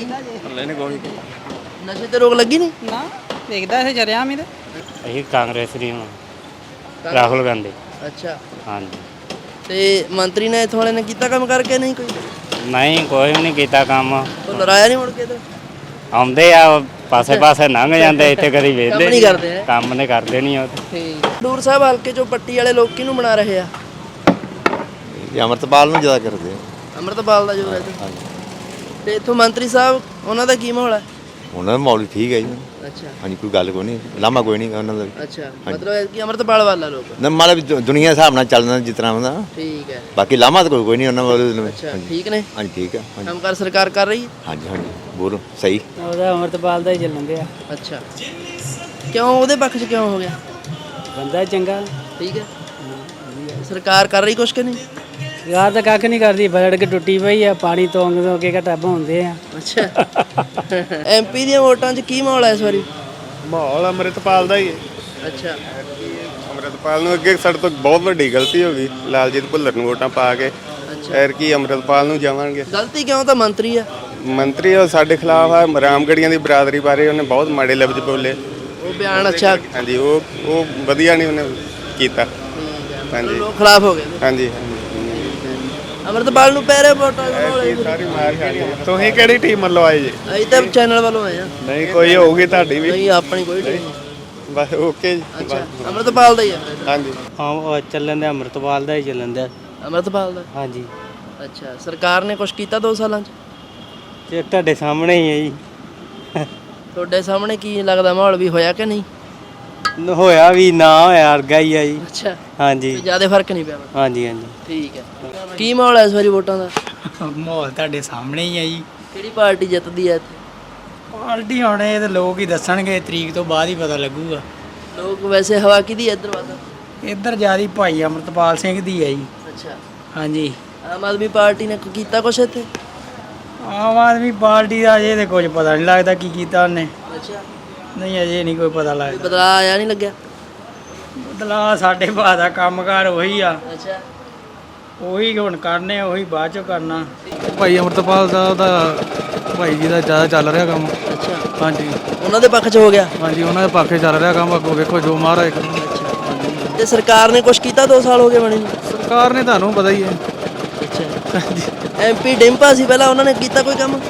[SPEAKER 8] ਨਸ਼ੇ ਤੇ ਰੋਕ ਲੱਗੀ ਨਹੀਂ?
[SPEAKER 3] ਨਾ ਵੇਖਦਾ ਇਹ ਜਰਿਆ ਮੀ ਤੇ
[SPEAKER 11] ਅਸੀਂ ਕਾਂਗਰਸ ਦੀ ਹਾਂ, ਰਾਹੁਲ ਗਾਂਧੀ।
[SPEAKER 8] ਅੱਛਾ,
[SPEAKER 11] ਹਾਂਜੀ,
[SPEAKER 8] ਤੇ ਮੰਤਰੀ ਨੇ ਇੱਥੋਂ ਵਾਲੇ ਨੇ ਕੀਤਾ ਕੰਮ ਕਰਕੇ ਨਹੀਂ ਕੋਈ?
[SPEAKER 11] ਨਹੀਂ ਕੋਈ ਵੀ ਨਹੀਂ ਕੀਤਾ ਕੰਮ।
[SPEAKER 8] ਉਹ ਲੜਾਇਆ ਨਹੀਂ ਮੁੜ ਕੇ ਤੇ?
[SPEAKER 11] ਆਉਂਦੇ ਆ ਪਾਸੇ ਪਾਸੇ ਲੰਘ ਜਾਂਦੇ, ਇੱਥੇ ਕਦੀ
[SPEAKER 8] ਕੰਮ
[SPEAKER 11] ਵੇਖਦੇ
[SPEAKER 8] ਨਹੀਂ ਕਰਦੇ ਹੈ?
[SPEAKER 11] ਕੰਮ ਨੇ ਕਰਦੇ ਨਹੀਂ ਉਹ ਤੇ।
[SPEAKER 8] ਠੀਕ। ਖਡੂਰ ਸਾਹਿਬ ਹਲਕੇ ਚੋਂ ਪੱਟੀ ਵਾਲੇ ਲੋਕ ਕਿਹਨੂੰ ਬਣਾ ਰਹੇ ਆ?
[SPEAKER 10] ਅਮਰਤਪਾਲ ਨੂੰ ਜ਼ਿਆਦਾ ਕਰਦੇ
[SPEAKER 8] ਅਮਰਤਪਾਲ ਦਾ ਜੋਰ ਹੈ ਇੱਥੇ। ਤੇ ਇੱਥੋਂ ਮੰਤਰੀ ਸਾਹਿਬ ਉਹਨਾਂ ਦਾ ਕੀ ਮਾਹੌਲ ਹੈ?
[SPEAKER 10] ਉਹਨਾਂ ਦਾ ਮਾਹੌਲ ਠੀਕ ਹੈ ਜੀ।
[SPEAKER 8] ਅੱਛਾ,
[SPEAKER 10] ਹਾਂਜੀ ਕੋਈ ਗੱਲ ਕੋਈ ਨਹੀਂ, ਲਾਮਾ ਕੋਈ ਨਹੀਂ ਉਹਨਾਂ ਦਾ।
[SPEAKER 8] ਅੱਛਾ, ਮਤਲਬ ਕਿ ਅਮਰਤਪਾਲ ਵਾਲਾ ਲੋਕ?
[SPEAKER 10] ਨਾ ਮਤਲਬ ਦੁ- ਦੁਨੀਆ ਦੇ ਹਿਸਾਬ ਨਾਲ ਚੱਲਣਾ ਜਿਸ ਤਰ੍ਹਾਂ ਹੁੰਦਾ।
[SPEAKER 8] ਠੀਕ ਹੈ।
[SPEAKER 10] ਬਾਕੀ ਲਾਮਾ ਤਾਂ ਕੋਈ ਕੋਈ ਨਹੀਂ ਉਹਨਾਂ ਵੱਲ।
[SPEAKER 8] ਅੱਛਾ, ਠੀਕ ਨੇ?
[SPEAKER 10] ਹਾਂਜੀ ਠੀਕ ਹੈ। ਹਾਂਜੀ
[SPEAKER 8] ਕੰਮਕਾਰ ਸਰਕਾਰ ਕਰ ਰਹੀ ਹੈ?
[SPEAKER 10] ਹਾਂਜੀ ਹਾਂਜੀ ਬੋਲ ਸਹੀ।
[SPEAKER 3] ਉਹਦਾ ਅਮਰਤਪਾਲ ਦਾ ਹੀ ਚੱਲਣ ਦਿਆ।
[SPEAKER 8] ਅੱਛਾ, ਕਿਉਂ ਉਹਦੇ ਪੱਖ 'ਚ ਕਿਉਂ ਹੋ ਗਿਆ?
[SPEAKER 3] ਬੰਦਾ ਚੰਗਾ।
[SPEAKER 8] ਠੀਕ ਹੈ। ਸਰਕਾਰ ਕਰ ਰਹੀ ਕੁਛ ਕਿ ਨਹੀਂ?
[SPEAKER 3] ਯਾਰ ਤਾਂ ਕੱਖ ਨਹੀਂ ਕਰਦੀ, ਬਲੜ ਕੇ ਟੁੱਟੀ ਪਈ ਆ। ਪਾਣੀ ਤੋਂਗ ਤੋਂ ਕੇ ਘਟਾਬ ਹੁੰਦੇ ਆ।
[SPEAKER 8] ਅੱਛਾ, ਐਮਪੀ ਦੀਆਂ ਵੋਟਾਂ 'ਚ ਕੀ ਮਾਹੌਲ ਹੈ ਇਸ ਵਾਰੀ?
[SPEAKER 6] ਮਾਹੌਲ ਅੰਮ੍ਰਿਤਪਾਲ ਦਾ ਹੀ ਹੈ।
[SPEAKER 8] ਅੱਛਾ,
[SPEAKER 6] ਅੰਮ੍ਰਿਤਪਾਲ ਨੂੰ ਅੱਗੇ ਸਾਡੇ ਤੋਂ ਬਹੁਤ ਵੱਡੀ ਗਲਤੀ ਹੋ ਗਈ, ਲਾਲਜੀਤ ਭੁੱਲਰ ਨੂੰ ਵੋਟਾਂ ਪਾ ਕੇ।
[SPEAKER 8] ਅੱਛਾ,
[SPEAKER 6] ਐਰ ਕੀ ਅੰਮ੍ਰਿਤਪਾਲ ਨੂੰ ਜਾਵਾਂਗੇ।
[SPEAKER 8] ਗਲਤੀ ਕਿਉਂ? ਤਾਂ ਮੰਤਰੀ ਆ।
[SPEAKER 13] ਮੰਤਰੀ ਉਹ ਸਾਡੇ ਖਿਲਾਫ ਆ। ਰਾਮਗੜੀਆਂ ਦੀ ਬਰਾਦਰੀ ਬਾਰੇ ਉਹਨੇ ਬਹੁਤ ਮਾੜੇ ਲਫ਼ਜ਼ ਬੋਲੇ।
[SPEAKER 8] ਉਹ ਬਿਆਨ ਅੱਛਾ
[SPEAKER 13] ਹਾਂਜੀ ਉਹ ਉਹ ਵਧੀਆ ਨਹੀਂ ਉਹਨੇ ਕੀਤਾ। ਹਾਂਜੀ
[SPEAKER 8] ਲੋਕ ਖਿਲਾਫ ਹੋ ਗਏ ਨੇ।
[SPEAKER 13] ਹਾਂਜੀ
[SPEAKER 8] ਅਮਰਤਪਾਲ ਨੂੰ ਪੈ ਰਹੇ ਵੋਟਾਂ
[SPEAKER 13] ਸਾਰੀ ਮਾਰ ਖਾਣੀ। ਤੁਸੀਂ ਕਿਹੜੀ ਟੀਮ ਵੱਲੋਂ ਆਏ ਜੀ?
[SPEAKER 8] ਅਸੀਂ ਤਾਂ ਚੈਨਲ ਵੱਲੋਂ ਆਏ ਆ।
[SPEAKER 13] ਨਹੀਂ ਕੋਈ ਹੋਊਗੀ ਤੁਹਾਡੀ ਵੀ?
[SPEAKER 8] ਨਹੀਂ ਆਪਣੀ ਕੋਈ ਟੀਮ ਨਹੀਂ।
[SPEAKER 13] ਬਸ ਓਕੇ ਜੀ।
[SPEAKER 8] ਅੱਛਾ ਅਮਰਤਪਾਲ ਦਾ ਹੀ ਆ।
[SPEAKER 13] ਹਾਂਜੀ
[SPEAKER 3] ਹਾਂ ਚੱਲਣ ਦੇ ਅੰਮ੍ਰਿਤਪਾਲ ਦਾ ਹੀ ਚੱਲਣ ਦਿਆ।
[SPEAKER 8] ਅਮਰਤਪਾਲ ਦਾ
[SPEAKER 3] ਹਾਂਜੀ
[SPEAKER 8] ਅੱਛਾ ਸਰਕਾਰ ਨੇ ਕੁਝ ਕੀਤਾ ਦੋ ਸਾਲਾਂ 'ਚ?
[SPEAKER 3] ਤੇ ਤੁਹਾਡੇ ਸਾਹਮਣੇ ਹੀ ਹੈ ਜੀ।
[SPEAKER 8] ਤੁਹਾਡੇ ਸਾਹਮਣੇ ਕੀ ਲੱਗਦਾ ਮਾਹੌਲ ਵੀ ਹੋਇਆ ਕਿ ਨਹੀਂ?
[SPEAKER 3] ਹੋਇਆ ਵੀ ਨਾ ਹੋਇਆ ਵਰਗਾ ਹੀ ਆ ਜੀ।
[SPEAKER 8] ਅੱਛਾ
[SPEAKER 3] ਹਾਂਜੀ
[SPEAKER 8] ਜਿਆਦਾ ਫਰਕ ਨਹੀਂ ਪਿਆ।
[SPEAKER 3] ਹਾਂਜੀ ਹਾਂਜੀ
[SPEAKER 8] ਠੀਕ ਹੈ। ਕੀ ਮਾਹੌਲ ਹੈ ਇਸ ਵਾਰੀ ਵੋਟਾਂ ਦਾ?
[SPEAKER 3] ਮਾਹੌਲ ਤੁਹਾਡੇ ਸਾਹਮਣੇ ਹੀ ਆ ਜੀ।
[SPEAKER 8] ਕਿਹੜੀ ਪਾਰਟੀ ਜਿੱਤਦੀ ਹੈ ਇੱਥੇ?
[SPEAKER 3] ਪਾਰਟੀ ਹੁਣ ਇਹ ਤੇ ਲੋਕ ਹੀ ਦੱਸਣਗੇ, ਤਰੀਕ ਤੋਂ ਬਾਅਦ ਹੀ ਪਤਾ ਲੱਗੂਗਾ।
[SPEAKER 8] ਲੋਕ ਵੈਸੇ ਹਵਾ ਕਿਹਦੀ ਹੈ ਇੱਧਰ ਵੱਧ?
[SPEAKER 3] ਇੱਧਰ ਜਿਆਦੀ ਭਾਈ ਅਮਰਤਪਾਲ ਸਿੰਘ ਦੀ ਹੈ ਜੀ।
[SPEAKER 8] ਅੱਛਾ
[SPEAKER 3] ਹਾਂਜੀ
[SPEAKER 8] ਆਮ ਆਦਮੀ ਪਾਰਟੀ ਨੇ ਕੋਈ ਕੀਤਾ ਕੁਛ ਇੱਥੇ?
[SPEAKER 3] ਆਮ ਆਦਮੀ ਪਾਰਟੀ ਦਾ ਅਜੇ ਤੇ ਕੁਝ ਪਤਾ ਨਹੀਂ ਲੱਗਦਾ ਕੀ ਕੀਤਾ ਉਹਨੇ।
[SPEAKER 8] ਅੱਛਾ
[SPEAKER 3] ਨਹੀਂ ਅਜੇ ਨਹੀਂ ਕੋਈ ਪਤਾ ਲੱਗਦਾ।
[SPEAKER 8] ਬਦਲਾਅ ਆਇਆ ਨਹੀਂ ਲੱਗਿਆ?
[SPEAKER 3] ਬਦਲਾ ਸਾਡੇ ਭਾ ਦਾ ਕੰਮਕਾਰ ਉਹੀ ਆ।
[SPEAKER 8] ਅੱਛਾ
[SPEAKER 3] ਉਹੀ ਹੁਣ ਕਰਨੇ, ਉਹੀ ਬਾਅਦ ਚੋਂ ਕਰਨਾ।
[SPEAKER 1] ਭਾਈ ਅਮਰਤਪਾਲ ਦਾ ਉਹਦਾ ਭਾਈ ਜੀ ਦਾ ਜ਼ਿਆਦਾ ਚੱਲ ਰਿਹਾ ਕੰਮ।
[SPEAKER 8] ਅੱਛਾ
[SPEAKER 1] ਹਾਂਜੀ
[SPEAKER 8] ਉਹਨਾਂ ਦੇ ਪੱਖ 'ਚ ਹੋ ਗਿਆ?
[SPEAKER 1] ਹਾਂਜੀ ਉਹਨਾਂ ਦੇ ਪਾਖੇ ਚੱਲ ਰਿਹਾ ਕੰਮ। ਅੱਗੋਂ ਵੇਖੋ ਜੋ ਮਹਾਰਾਜ ਕਰੂ।
[SPEAKER 8] ਤੇ ਸਰਕਾਰ ਨੇ ਕੁਛ ਕੀਤਾ ਦੋ ਸਾਲ ਹੋ ਗਏ ਬਣੀ ਨੂੰ?
[SPEAKER 1] ਸਰਕਾਰ ਨੇ ਤੁਹਾਨੂੰ ਪਤਾ ਹੀ ਹੈ।
[SPEAKER 8] ਅੱਛਾ ਐਮਪੀ ਡਿੰਪਾ ਸੀ ਪਹਿਲਾਂ, ਉਹਨਾਂ ਨੇ ਕੀਤਾ ਕੋਈ ਕੰਮ?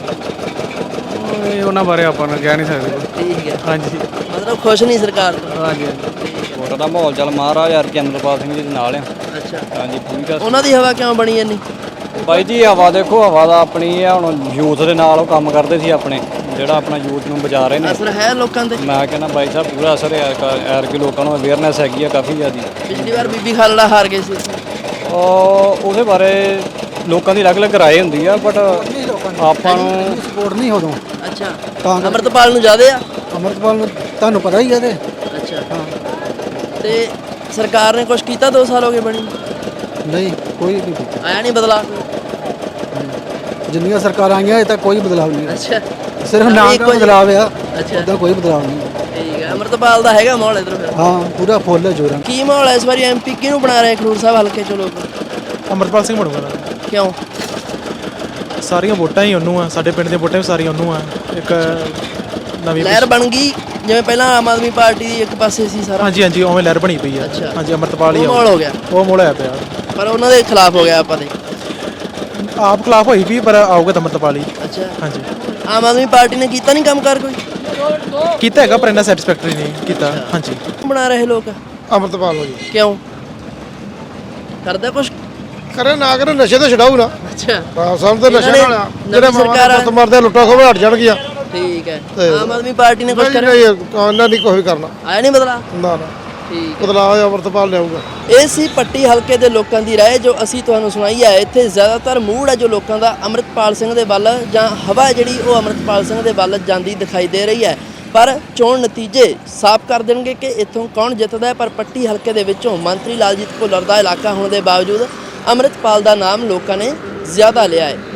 [SPEAKER 1] ਇਹ ਉਹਨਾਂ ਬਾਰੇ ਆਪਾਂ ਨੂੰ ਕਹਿ ਨਹੀਂ ਸਕਦੇ।
[SPEAKER 8] ਠੀਕ ਹੈ
[SPEAKER 1] ਹਾਂਜੀ
[SPEAKER 8] ਮਤਲਬ ਖੁਸ਼ ਨਹੀਂ ਸਰਕਾਰ ਤੋਂ?
[SPEAKER 1] ਹਾਂਜੀ
[SPEAKER 3] ਵੋਟਾਂ ਦਾ ਮਾਹੌਲ ਚੱਲ ਮਹਾਰਾਜ ਯਾਰ ਅਮਰਪਾਲ ਸਿੰਘ ਜੀ ਦੇ ਨਾਲ ਆ।
[SPEAKER 8] ਅੱਛਾ
[SPEAKER 3] ਹਾਂਜੀ ਠੀਕ ਆ।
[SPEAKER 8] ਉਹਨਾਂ ਦੀ ਹਵਾ ਕਿਉਂ ਬਣੀ ਇੰਨੀ?
[SPEAKER 3] ਬਾਈ ਜੀ ਹਵਾ ਦੇਖੋ, ਹਵਾ ਦਾ ਆਪਣੀ ਆ। ਹੁਣ ਯੂਥ ਦੇ ਨਾਲ ਉਹ ਕੰਮ ਕਰਦੇ ਸੀ ਆਪਣੇ, ਜਿਹੜਾ ਆਪਣਾ ਯੂਥ ਨੂੰ ਬਚਾ ਰਹੇ ਨੇ।
[SPEAKER 8] ਅਸਰ ਹੈ ਲੋਕਾਂ ਤੇ?
[SPEAKER 3] ਮੈਂ ਕਹਿੰਦਾ ਬਾਈ ਸਾਹਿਬ ਪੂਰਾ ਅਸਰ ਹੈ ਐਰ ਕਿ ਲੋਕਾਂ ਨੂੰ ਅਵੇਅਰਨੈਸ ਹੈਗੀ ਆ ਕਾਫੀ ਜ਼ਿਆਦੀ।
[SPEAKER 8] ਪਿਛਲੀ ਵਾਰ ਬੀਬੀ ਖਾਲੜਾ ਹਾਰ ਗਏ ਸੀ।
[SPEAKER 3] ਉਹ ਉਹਦੇ ਬਾਰੇ ਲੋਕਾਂ ਦੀ ਅਲੱਗ-ਅਲੱਗ ਰਾਏ ਹੁੰਦੀ ਆ, ਬਟ ਆਪਾਂ ਨੂੰ
[SPEAKER 1] ਸਪੋਰਟ ਨਹੀਂ ਉਦੋਂ।
[SPEAKER 8] ਅੱਛਾ ਅਮਰਤਪਾਲ ਨੂੰ ਜ਼ਿਆਦੇ ਆ?
[SPEAKER 1] ਅਮਰਤਪਾਲ ਨੂੰ ਤੁਹਾਨੂੰ ਪਤਾ ਹੀ ਹੈ ਤੇ।
[SPEAKER 8] ਅੱਛਾ ਹਾਂ ਤੇ ਸਰਕਾਰ ਨੇ ਕੁਝ ਕੀਤਾ ਦੋ ਸਾਲ ਹੋ ਗਏ ਬਣੀ?
[SPEAKER 1] ਨਹੀਂ ਕੋਈ ਨਹੀਂ ਕੀਤਾ।
[SPEAKER 8] ਆਇਆ ਨਹੀਂ ਬਦਲਾ?
[SPEAKER 1] ਜਿੰਨੀਆਂ ਸਰਕਾਰਾਂ ਆਈਆਂ ਅਜੇ ਤੱਕ ਕੋਈ ਬਦਲਾਅ ਨਹੀਂ।
[SPEAKER 8] ਅੱਛਾ
[SPEAKER 1] ਸਿਰਫ ਨਾਮ ਦਾ ਬਦਲਾਅ ਆ।
[SPEAKER 8] ਅੱਛਾ
[SPEAKER 1] ਉਦਾਂ ਕੋਈ ਬਦਲਾਅ ਨਹੀਂ।
[SPEAKER 8] ਠੀਕ ਹੈ ਅਮਰਤਪਾਲ ਦਾ ਹੈਗਾ ਮਾਹੌਲ ਇੱਧਰ ਫਿਰ?
[SPEAKER 1] ਹਾਂ ਪੂਰਾ ਫੁੱਲ ਹੈ ਜੋਰਾਂ।
[SPEAKER 8] ਕੀ ਮਾਹੌਲ ਹੈ ਇਸ ਵਾਰੀ? ਐਮਪੀ ਕਿਹਨੂੰ ਬਣਾ ਰਹੇ ਖਡੂਰ ਸਾਹਿਬ ਹਲਕੇ ਚੋਂ ਲੋਕ?
[SPEAKER 1] ਅਮਰਤਪਾਲ ਸਿੰਘ ਬਣੂਗਾ।
[SPEAKER 8] ਕਿਉਂ?
[SPEAKER 1] ਸਾਰੀਆਂ ਵੋਟਾਂ ਹੀ ਉਹਨੂੰ ਆ। ਸਾਡੇ ਪਿੰਡ ਦੀਆਂ ਵੋਟਾਂ ਵੀ ਸਾਰੀਆਂ ਉਹਨੂੰ ਆ। ਇੱਕ ਨਵੀਂ
[SPEAKER 8] ਲਹਿਰ ਬਣ ਗਈ ਜਿਵੇਂ ਪਹਿਲਾਂ ਆਮ ਆਦਮੀ ਪਾਰਟੀ ਦੀ ਇੱਕ ਪਾਸੇ ਸੀ ਸਾਰਾ?
[SPEAKER 1] ਹਾਂਜੀ ਹਾਂਜੀ ਉਵੇਂ ਲਹਿਰ ਬਣੀ ਪਈ ਆ।
[SPEAKER 8] ਅੱਛਾ।
[SPEAKER 1] ਹਾਂਜੀ ਅਮਰਤਪਾਲ ਹੀ
[SPEAKER 8] ਉਹ ਮਾਹੌਲ ਹੋ ਗਿਆ?
[SPEAKER 1] ਉਹ ਮੋੜ ਹੋਇਆ ਪਿਆ।
[SPEAKER 8] ਪਰ ਉਹਨਾਂ ਦੇ ਖਿਲਾਫ ਹੋ ਗਿਆ ਆਪਾਂ ਦੇ।
[SPEAKER 1] ਆਪ ਖਿਲਾਫ ਹੋਈ ਵੀ ਪਰ ਆਊਗਾ ਤਾਂ ਅਮਰਤਪਾਲ ਹੀ।
[SPEAKER 8] ਅੱਛਾ
[SPEAKER 1] ਹਾਂਜੀ
[SPEAKER 8] ਆਮ ਆਦਮੀ ਪਾਰਟੀ ਨੇ ਕੀਤਾ ਨਹੀਂ ਕੰਮ ਕਰ ਕੋਈ?
[SPEAKER 1] ਕੀਤਾ ਹੈਗਾ ਪਰ ਇੰਨਾ ਸੈਟੀਸਫੈਕਟਰੀ ਨਹੀਂ ਕੀਤਾ। ਹਾਂਜੀ
[SPEAKER 8] ਬਣਾ ਰਹੇ ਲੋਕ
[SPEAKER 5] ਅਮਰਤਪਾਲ ਹੋ ਜੀ।
[SPEAKER 8] ਕਿਉਂ ਕਰਦਾ ਕੁਛ?
[SPEAKER 5] ਕਰੇ ਨਾ ਕਰੇ ਨਸ਼ੇ ਤੋਂ ਛਡਾਊ ਨਾ।
[SPEAKER 8] ਅੱਛਾ
[SPEAKER 5] ਹਾਂ ਸਾਨੂੰ ਤਾਂ ਨਸ਼ੇ ਨਾਲ ਆ।
[SPEAKER 8] ਜਿਹੜੇ ਸਰਕਾਰ
[SPEAKER 5] ਮਰਦੇ ਲੁੱਟਾ ਖੋਹ ਹਟ ਜਾਣਗੀਆਂ।
[SPEAKER 8] ਠੀਕ ਹੈ ਆਮ ਆਦਮੀ ਪਾਰਟੀ ਨੇ ਕੁਝ ਕਰਿਆ?
[SPEAKER 5] ਨਹੀਂ ਉਹਨਾਂ ਨਹੀਂ ਕੋਈ ਕਰਨਾ।
[SPEAKER 8] ਆਇਆ ਨਹੀਂ ਬਦਲਾ?
[SPEAKER 5] ਨਾ ਨਾ
[SPEAKER 8] ਠੀਕ
[SPEAKER 5] ਬਦਲਾਅ ਅਮਰਤਪਾਲ ਲਿਆਊਗਾ।
[SPEAKER 8] ਇਹ ਸੀ ਪੱਟੀ ਹਲਕੇ ਦੇ ਲੋਕਾਂ ਦੀ ਰਾਏ ਜੋ ਅਸੀਂ ਤੁਹਾਨੂੰ ਸੁਣਾਈ ਹੈ। ਇੱਥੇ ਜ਼ਿਆਦਾਤਰ ਮੂਡ ਹੈ ਜੋ ਲੋਕਾਂ ਦਾ ਅੰਮ੍ਰਿਤਪਾਲ ਸਿੰਘ ਦੇ ਵੱਲ, ਜਾਂ ਹਵਾ ਜਿਹੜੀ ਉਹ ਅੰਮ੍ਰਿਤਪਾਲ ਸਿੰਘ ਦੇ ਵੱਲ ਜਾਂਦੀ ਦਿਖਾਈ ਦੇ ਰਹੀ ਹੈ। ਪਰ ਚੋਣ ਨਤੀਜੇ ਸਾਫ਼ ਕਰ ਦੇਣਗੇ ਕਿ ਇੱਥੋਂ ਕੌਣ ਜਿੱਤਦਾ ਹੈ। ਪਰ ਪੱਟੀ ਹਲਕੇ ਦੇ ਵਿੱਚੋਂ ਮੰਤਰੀ ਲਾਲਜੀਤ ਭੁੱਲਰ ਦਾ ਇਲਾਕਾ ਹੋਣ ਦੇ ਬਾਵਜੂਦ ਅੰਮ੍ਰਿਤਪਾਲ ਦਾ ਨਾਮ ਲੋਕਾਂ ਨੇ ਜ਼ਿਆਦਾ ਲਿਆ ਹੈ।